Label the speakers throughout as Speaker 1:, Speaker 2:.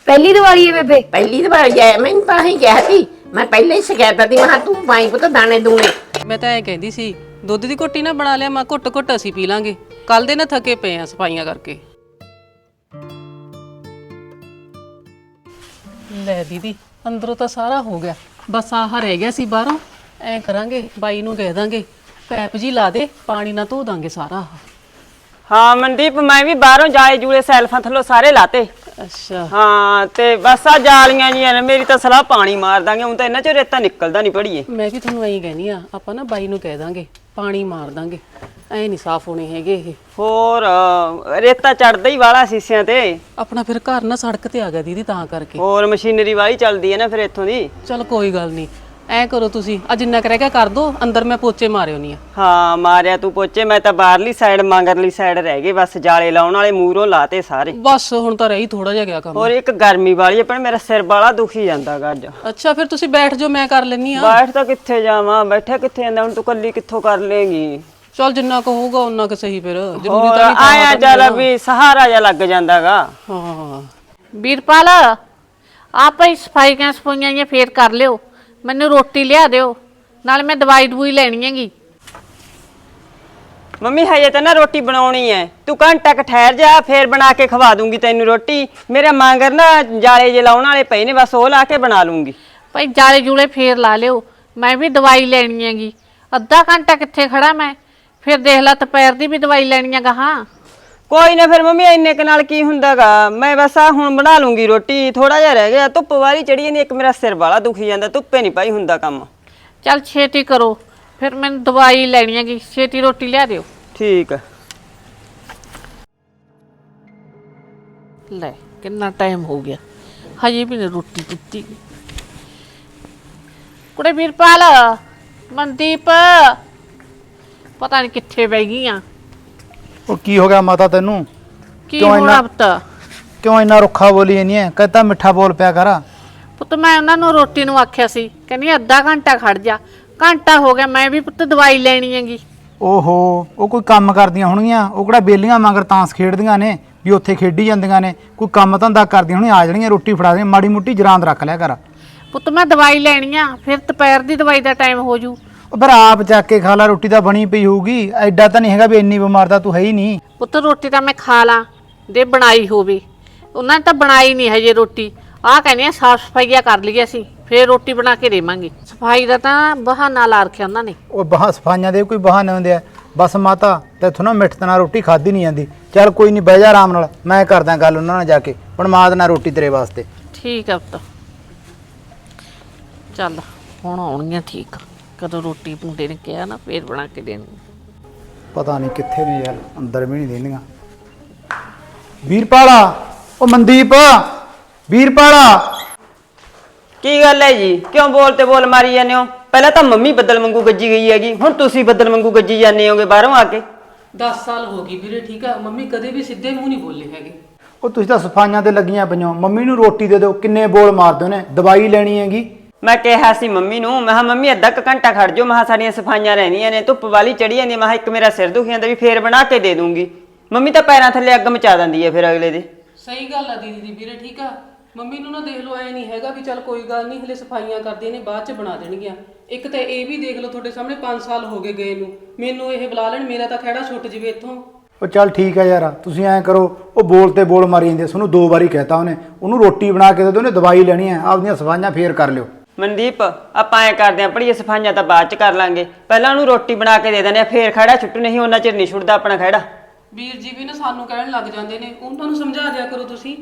Speaker 1: ਪਹਿਲੀ ਦੀਵਾਲੀ ਹੈ ਬੇਬੇ?
Speaker 2: ਪਹਿਲੀ ਦੀਵਾਲੀ ਹੈ, ਮੈਨੂੰ ਤਾਂ ਹੀ ਕਿਹਾ ਸੀ। ਮੈਂ ਪਹਿਲੇ ਹੀ ਸ਼ਿਕਾਇਤ ਦੀ ਮੈਂ ਤੂੰ ਪਾਈ ਪੁੱਤ ਦਾਣੇ ਦੂਣੇ।
Speaker 3: ਮੈਂ ਤਾਂ ਐ ਕਹਿੰਦੀ ਸੀ ਦੁੱਧ ਦੀ ਘੁੱਟੀ ਨਾ ਬਣਾ ਲਿਆ, ਮੈਂ ਘੁੱਟ ਘੁੱਟ ਅਸੀਂ ਪੀ ਲਾਂਗੇ। ਕੱਲ ਦੇ ਨਾ ਥੱਕੇ ਪਏ ਆ ਸਫਾਈਆਂ ਕਰਕੇ। ਲੈ ਦੀਦੀ ਅੰਦਰੋਂ ਤਾਂ ਸਾਰਾ ਹੋ ਗਿਆ, ਬਸ ਆਹ ਰਹਿ ਗਿਆ ਸੀ ਬਾਹਰੋਂ। ਐ ਕਰਾਂਗੇ ਬਾਈ ਨੂੰ ਕਹਿ ਦਾਂਗੇ ਪੈਪ ਜੀ ਲਾ ਦੇ, ਪਾਣੀ ਨਾਲ ਧੋ ਦਾਂਗੇ ਸਾਰਾ।
Speaker 4: ਹਾਂ ਮਨਦੀਪ, ਮੈਂ ਵੀ ਬਾਹਰੋਂ ਜਾਲੇ ਜੂਲੇ ਸੈਲਫਾਂ ਥੱਲੋਂ ਸਾਰੇ ਲਾਤੇ।
Speaker 3: ਅੱਛਾ
Speaker 4: ਹਾਂ ਤੇ ਬਸ ਆ ਜਾਲੀਆਂ ਜੀਆਂ ਨੇ, ਮੇਰੀ ਤਾਂ ਸਲਾਹ ਪਾਣੀ ਮਾਰ ਦਾਂਗੇ। ਹੁਣ ਤਾਂ ਇਹਨਾਂ ਚੋਂ ਰੇਤਾ ਨਿਕਲਦਾ ਨਹੀਂ ਪੜੀਏ।
Speaker 3: ਮੈਂ ਵੀ ਤੁਹਾਨੂੰ ਐਂ ਕਹਿੰਦੀ ਆ, ਆਪਾਂ ਨਾ ਬਾਈ ਨੂੰ ਕਹਿ ਦਾਂਗੇ ਪਾਣੀ ਮਾਰ ਦਾਂਗੇ, ਐ ਨਹੀਂ ਸਾਫ਼ ਹੋਣੇ ਹੈਗੇ ਇਹ।
Speaker 4: ਹੋਰ ਰੇਤਾ ਚੜਦਾ ਹੀ ਵਾਲਾ ਸੀਸਿਆਂ ਤੇ।
Speaker 3: ਆਪਣਾ ਫਿਰ ਘਰ ਨਾ ਸੜਕ ਤੇ ਆ ਗਿਆ ਦੀਦੀ, ਤਾਂ ਕਰਕੇ।
Speaker 4: ਹੋਰ ਮਸ਼ੀਨਰੀ ਵਾਲੀ ਚੱਲਦੀ ਹੈ ਨਾ ਫਿਰ ਇੱਥੋਂ ਦੀ।
Speaker 3: ਚਲ ਕੋਈ ਗੱਲ ਨਹੀਂ, ਐ ਕਰੋ ਤੁਸੀਂ ਅੱਜ ਜਿੰਨਾ ਕੁ ਰਹਿ ਗਿਆ ਕਰ ਦੋ, ਅੰਦਰ ਮੈਂ ਪੋਚੇ ਮਾਰਿਓ ਨਹੀਂ ਆ।
Speaker 4: ਹਾਂ ਮਾਰਿਆ ਤੂੰ ਪੋਚੇ, ਮੈਂ ਤਾਂ ਬਾਹਰਲੀ ਸਾਈਡ ਮਗਰਲੀ ਸਾਈਡ ਰਹਿ ਗਏ ਬਸ। ਜਾਲੇ ਲਾਉਣ ਵਾਲੇ ਮੂਹਰੋਂ ਲਾਤੇ ਸਾਰੇ।
Speaker 3: ਬਸ ਹੁਣ ਤਾਂ ਰਹੀ ਥੋੜਾ ਜਿਹਾ ਗਿਆ ਕੰਮ।
Speaker 4: ਹੋਰ ਇੱਕ ਗਰਮੀ ਵਾਲੀ ਹੈ, ਪਰ ਮੇਰਾ ਸਿਰ ਬਾਲਾ ਦੁਖੀ ਜਾਂਦਾਗਾ ਅੱਜ।
Speaker 3: ਅੱਛਾ ਫਿਰ ਤੁਸੀਂ ਬੈਠ ਜਾਓ, ਮੈਂ ਕਰ ਲੈਣੀ ਆ।
Speaker 4: ਬੈਠ ਤਾਂ ਕਿੱਥੇ ਜਾਵਾਂ, ਬੈਠਾ ਕਿੱਥੇ ਜਾਂਦਾ। ਹੁਣ ਤੂੰ ਕੱਲੀ ਕਿੱਥੋਂ ਕਰ ਲੇਗੀ।
Speaker 3: ਚਲ ਜਿੰਨਾ ਕੁ ਹੋਊਗਾ ਉਹਨਾਂ ਕੁ ਸਹੀ, ਫਿਰ ਜ਼ਰੂਰੀ ਤਾਂ ਨਹੀਂ
Speaker 4: ਆਇਆ ਚੱਲ ਵੀ ਸਹਾਰਾ ਜਿਹਾ ਲੱਗ ਜਾਂਦਾਗਾ।
Speaker 3: ਹਾਂ
Speaker 5: ਵੀਰਪਾਲ ਆਪੇ ਸਫਾਈਆਂ ਸਫਾਈਆਂ ਜਾਂ ਫੇਰ ਕਰ ਲਿਓ, ਮੈਨੂੰ ਰੋਟੀ ਲਿਆ ਦਿਓ, ਨਾਲ ਮੈਂ ਦਵਾਈ ਦਵੂਈ ਲੈਣੀ ਹੈਗੀ।
Speaker 4: ਮੰਮੀ ਹਜੇ ਤਾਂ ਨਾ ਰੋਟੀ ਬਣਾਉਣੀ ਐ, ਤੂੰ ਘੰਟਾ ਕ ਠਹਿਰ ਜਾ, ਫੇਰ ਬਣਾ ਕੇ ਖਵਾ ਦੂੰਗੀ ਤੈਨੂੰ ਰੋਟੀ। ਮੇਰੇ ਮਾਂਗਰ ਨਾ ਜਾਲੇ ਜੇ ਲਾਉਣ ਵਾਲੇ ਪਏ ਨੇ, ਬਸ ਉਹ ਲਾ ਕੇ ਬਣਾ ਲੂੰਗੀ।
Speaker 5: ਭਾਈ ਜਾਲੇ ਜੂਲੇ ਫੇਰ ਲਾ ਲਿਓ, ਮੈਂ ਵੀ ਦਵਾਈ ਲੈਣੀ ਹੈਗੀ। ਅੱਧਾ ਘੰਟਾ ਕਿੱਥੇ ਖੜਾ ਮੈਂ, ਫਿਰ ਦੇਖ ਲਾ ਦੁਪਹਿਰ ਦੀ ਵੀ ਦਵਾਈ ਲੈਣੀ ਹੈਗਾ। ਹਾਂ
Speaker 4: ਕੋਈ ਨਾ ਫਿਰ ਮੰਮੀ, ਇੰਨੇ ਕ ਨਾਲ ਕੀ ਹੁੰਦਾਗਾ। ਮੈਂ ਬਸ ਆ ਹੁਣ ਬਣਾ ਲੂੰਗੀ ਰੋਟੀ, ਥੋੜਾ ਜਿਹਾ ਰਹਿ ਗਿਆ। ਧੁੱਪ ਵਾਲੀ ਚੜੀ ਜਾਂਦੀ, ਇੱਕ ਮੇਰਾ ਸਿਰ ਵਾਲਾ ਦੁਖੀ ਜਾਂਦਾ, ਧੁੱਪੇ ਨਹੀਂ ਪਾਈ ਹੁੰਦਾ ਕੰਮ।
Speaker 5: ਚੱਲ ਛੇਤੀ ਕਰੋ, ਫਿਰ ਮੈਨੂੰ ਦਵਾਈ ਲੈਣੀ ਹੈਗੀ, ਛੇਤੀ ਰੋਟੀ ਲਿਆ ਦਿਓ।
Speaker 4: ਠੀਕ ਆ।
Speaker 5: ਲੈ ਕਿੰਨਾ ਟਾਈਮ ਹੋ ਗਿਆ, ਹਜੇ ਵੀ ਨਹੀਂ ਰੋਟੀ ਦਿੱਤੀ। ਕੁੜੇ ਵੀਰਪਾਲ, ਮਨਦੀਪ ਪਤਾ ਨਹੀਂ ਕਿੱਥੇ ਬਹਿ ਗਈਆਂ।
Speaker 6: ਉਹ ਕੀ ਹੋ ਗਿਆ ਮਾਤਾ ਤੈਨੂੰ?
Speaker 5: ਕੀ ਹੋਣਾ ਪੁੱਤ?
Speaker 6: ਕਿਉਂ ਇੰਨਾ ਰੁੱਖਾ ਬੋਲੀ ਨਹੀਂ ਹੈ? ਕਹਿੰਦਾ ਮਿੱਠਾ ਬੋਲ ਪਿਆ ਕਰ।
Speaker 5: ਪੁੱਤ ਮੈਂ ਉਹਨਾਂ ਨੂੰ ਰੋਟੀ ਨੂੰ ਆਖਿਆ ਸੀ, ਕਹਿੰਦੀ ਅੱਧਾ ਘੰਟਾ ਖੜ ਜਾ। ਘੰਟਾ ਹੋ ਗਿਆ, ਮੈਂ ਵੀ ਪੁੱਤ ਦਵਾਈ ਲੈਣੀ ਹੈਗੀ।
Speaker 6: ਓਹੋ, ਉਹ ਕੋਈ ਕੰਮ ਕਰਦੀਆਂ ਹੋਣਗੀਆਂ। ਉਹ ਕਿਹੜਾ ਬੇਲੀਆਂ ਮਗਰ ਤਾਂਸ ਖੇਡਦੀਆਂ ਨੇ ਵੀ ਉੱਥੇ ਖੇਡੀ ਜਾਂਦੀਆਂ ਨੇ? ਕੋਈ ਕੰਮ ਧੰਦਾ ਕਰਦੀਆਂ ਹੋਣੀਆਂ, ਆ ਜਾਣੀਆਂ ਰੋਟੀ ਫੜਾ ਦੇ। ਮਾੜੀ ਮੁੱਟੀ ਜਰਾਂਦ ਰੱਖ ਲਿਆ ਕਰ।
Speaker 5: ਪੁੱਤ ਮੈਂ ਦਵਾਈ ਲੈਣੀ ਆ, ਫਿਰ ਦੁਪਹਿਰ ਦੀ ਦਵਾਈ ਦਾ ਟਾਈਮ ਹੋ ਜੂ।
Speaker 6: ਉਹ ਫਿਰ ਆਪ ਚੱਕ ਕੇ ਖਾ ਲਾ, ਰੋਟੀ ਤਾਂ ਬਣੀ ਪਈ ਹੋਊਗੀ। ਐਡਾ ਤਾਂ ਨਹੀਂ ਹੈਗਾ ਵੀ ਇੰਨੀ ਬਿਮਾਰ ਤਾਂ ਤੂੰ ਹੈ ਹੀ ਨਹੀਂ।
Speaker 5: ਪੁੱਤ ਰੋਟੀ ਤਾਂ ਮੈਂ ਖਾ ਲਾਂ ਦੇ ਬਣਾਈ ਹੋਵੇ, ਉਹਨਾਂ ਨੇ ਤਾਂ ਬਣਾਈ ਨਹੀਂ ਹਜੇ ਰੋਟੀ। ਆਹ ਕਹਿੰਦੇ ਆ ਸਾਫ ਸਫਾਈਆ ਕਰ ਲਈ ਅਸੀਂ, ਫਿਰ ਰੋਟੀ ਬਣਾ ਕੇ ਦੇਵਾਂਗੇ। ਸਫਾਈ ਦਾ ਤਾਂ ਬਹਾਨਾ ਲਾ ਰੱਖਿਆ ਉਹਨਾਂ ਨੇ।
Speaker 6: ਉਹ ਸਫਾਈਆਂ ਦੇ ਕੋਈ ਬਹਾਨੇ ਹੁੰਦੇ ਆ? ਬਸ ਮਾਤਾ ਤੈਥੋਂ ਨਾ ਮਿੱਠ ਨਾਲ ਰੋਟੀ ਖਾਧੀ ਨਹੀਂ ਜਾਂਦੀ। ਚੱਲ ਕੋਈ ਨਹੀਂ, ਬਹਿ ਜਾ ਆਰਾਮ ਨਾਲ, ਮੈਂ ਕਰਦਾ ਗੱਲ ਉਹਨਾਂ ਨਾਲ ਜਾ ਕੇ, ਬਣਵਾ ਦੇਣਾ ਰੋਟੀ ਤੇਰੇ ਵਾਸਤੇ।
Speaker 5: ਠੀਕ ਆ ਪੁੱਤ, ਚੱਲ ਹੁਣ ਆਉਣਗੀਆਂ। ਠੀਕ ਆ, ਕਦੋਂ ਰੋਟੀ ਮੁੰਡੇ ਨੇ ਕਿਹਾ ਨਾ ਫੇਰ ਬਣਾ ਕੇ ਦੇਣੀ।
Speaker 6: ਪਤਾ ਨਹੀਂ ਕਿੱਥੇ ਨੇ ਯਾਰ, ਅੰਦਰ ਵੀ ਨਹੀਂ ਰਹਿੰਦੀਆਂ। ਵੀਰਪਾਲਾ, ਉਹ ਮਨਦੀਪ, ਵੀਰਪਾਲਾ।
Speaker 4: ਕੀ ਗੱਲ ਹੈ ਜੀ, ਕਿਉਂ ਬੋਲ ਤੇ ਬੋਲ ਮਾਰੀ ਜਾਂਦੇ ਹੋ? ਪਹਿਲਾਂ ਤਾਂ ਮੰਮੀ ਬੱਦਲ ਵਾਂਗੂ ਗੱਜੀ ਗਈ ਹੈਗੀ, ਹੁਣ ਤੁਸੀਂ ਬੱਦਲ ਵਾਂਗੂ ਗੱਜੀ ਜਾਂਦੇ ਹੋਗੇ ਬਾਹਰੋਂ ਆ ਕੇ।
Speaker 3: 10 ਸਾਲ ਹੋ ਗਈ ਵੀਰੇ, ਠੀਕ ਆ। ਮੰਮੀ ਕਦੇ ਵੀ ਸਿੱਧੇ ਮੂੰਹ ਨਹੀਂ ਬੋਲੇ ਹੈਗੇ।
Speaker 6: ਉਹ ਤੁਸੀਂ ਤਾਂ ਸਫਾਈਆਂ ਤੇ ਲੱਗੀਆਂ ਪਈਆਂ। ਮੰਮੀ ਨੂੰ ਰੋਟੀ ਦੇ ਦਿਓ, ਕਿੰਨੇ ਬੋਲ ਮਾਰਦੇ ਨੇ। ਦਵਾਈ ਲੈਣੀ ਹੈਗੀ।
Speaker 4: ਮੈਂ ਕਿਹਾ ਸੀ ਮੰਮੀ ਨੂੰ, ਮੈਂ ਕਿਹਾ ਮੰਮੀ ਅੱਧਾ ਕੁ ਘੰਟਾ ਖੜ ਜਾਓ, ਮੈਂ ਕਿਹਾ ਸਾਡੀਆਂ ਸਫਾਈਆਂ ਰਹਿੰਦੀਆਂ ਨੇ, ਧੁੱਪ ਵਾਲੀ ਚੜੀ ਜਾਂਦੀ। ਮੈਂ ਕਿਹਾ ਇੱਕ ਮੇਰਾ ਸਿਰ ਦੁਖੀ ਜਾਂਦਾ, ਵੀ ਫੇਰ ਬਣਾ ਕੇ ਦੇ ਦੂੰਗੀ। ਮੰਮੀ ਤਾਂ ਪੈਰਾਂ ਥੱਲੇ ਅੱਗ ਮਚਾ ਦਿੰਦੀ ਹੈ ਫਿਰ ਅਗਲੇ ਦੇ।
Speaker 3: ਸਹੀ ਗੱਲ ਆ ਦੀਦੀ ਦੀ ਵੀਰੇ, ਠੀਕ ਆ। ਮੰਮੀ ਨੂੰ ਨਾ ਦੇਖ ਲਓ, ਐ ਨਹੀਂ ਹੈਗਾ ਵੀ ਚੱਲ ਕੋਈ ਗੱਲ ਨਹੀਂ ਹਲੇ ਸਫਾਈਆਂ ਕਰਦੀਆਂ ਨੇ, ਬਾਅਦ ਚ ਬਣਾ ਦੇਣਗੀਆਂ। ਇੱਕ ਤਾਂ ਇਹ ਵੀ ਦੇਖ ਲਓ, ਤੁਹਾਡੇ ਸਾਹਮਣੇ 5 ਸਾਲ ਹੋ ਗਏ ਗਏ ਨੂੰ, ਮੈਨੂੰ ਇਹ ਬੁਲਾ ਲੈਣ, ਮੇਰਾ ਤਾਂ ਖਹਿੜਾ ਛੁੱਟ ਜਵੇ ਇੱਥੋਂ।
Speaker 6: ਉਹ ਚੱਲ ਠੀਕ ਹੈ ਯਾਰ, ਤੁਸੀਂ ਐਂ ਕਰੋ, ਉਹ ਬੋਲ ਤੇ ਬੋਲ ਮਾਰੀ ਜਾਂਦੇ। ਤੁਹਾਨੂੰ 2 ਵਾਰੀ ਕਹਿਤਾ ਉਹਨੇ, ਉਹਨੂੰ ਰੋਟੀ ਬਣਾ ਕੇ ਦੇ ਦਿਓ, ਉਹਨੇ ਦਵਾਈ ਲੈਣੀ ਹੈ। ਆਪਦੀਆਂ ਸਫਾਈਆਂ ਫੇਰ ਕਰ ਲਿਓ।
Speaker 4: ਮਨਦੀਪ ਆਪਾਂ ਐ ਕਰਦੇ ਆਂ, ਪੜੀਏ ਸਫਾਈਆਂ ਤਾਂ ਬਾਅਦ ਚ ਕਰ ਲਾਂਗੇ, ਪਹਿਲਾਂ ਉਹਨੂੰ ਰੋਟੀ ਬਣਾ ਕੇ ਦੇ ਦਿੰਦੇ ਆ, ਫੇਰ ਖੜਾ ਛੁੱਟੂ, ਨਹੀਂ ਉਹਨਾਂ ਚਿਰ ਨਹੀਂ ਛੁੱਟਦਾ ਆਪਣਾ ਖੜਾ।
Speaker 3: ਵੀਰ ਜੀ ਵੀ ਨਾ ਸਾਨੂੰ ਕਹਿਣ ਲੱਗ ਜਾਂਦੇ ਨੇ, ਉਹਨਾਂ ਨੂੰ ਸਮਝਾ ਦਿਆ ਕਰੋ ਤੁਸੀਂ।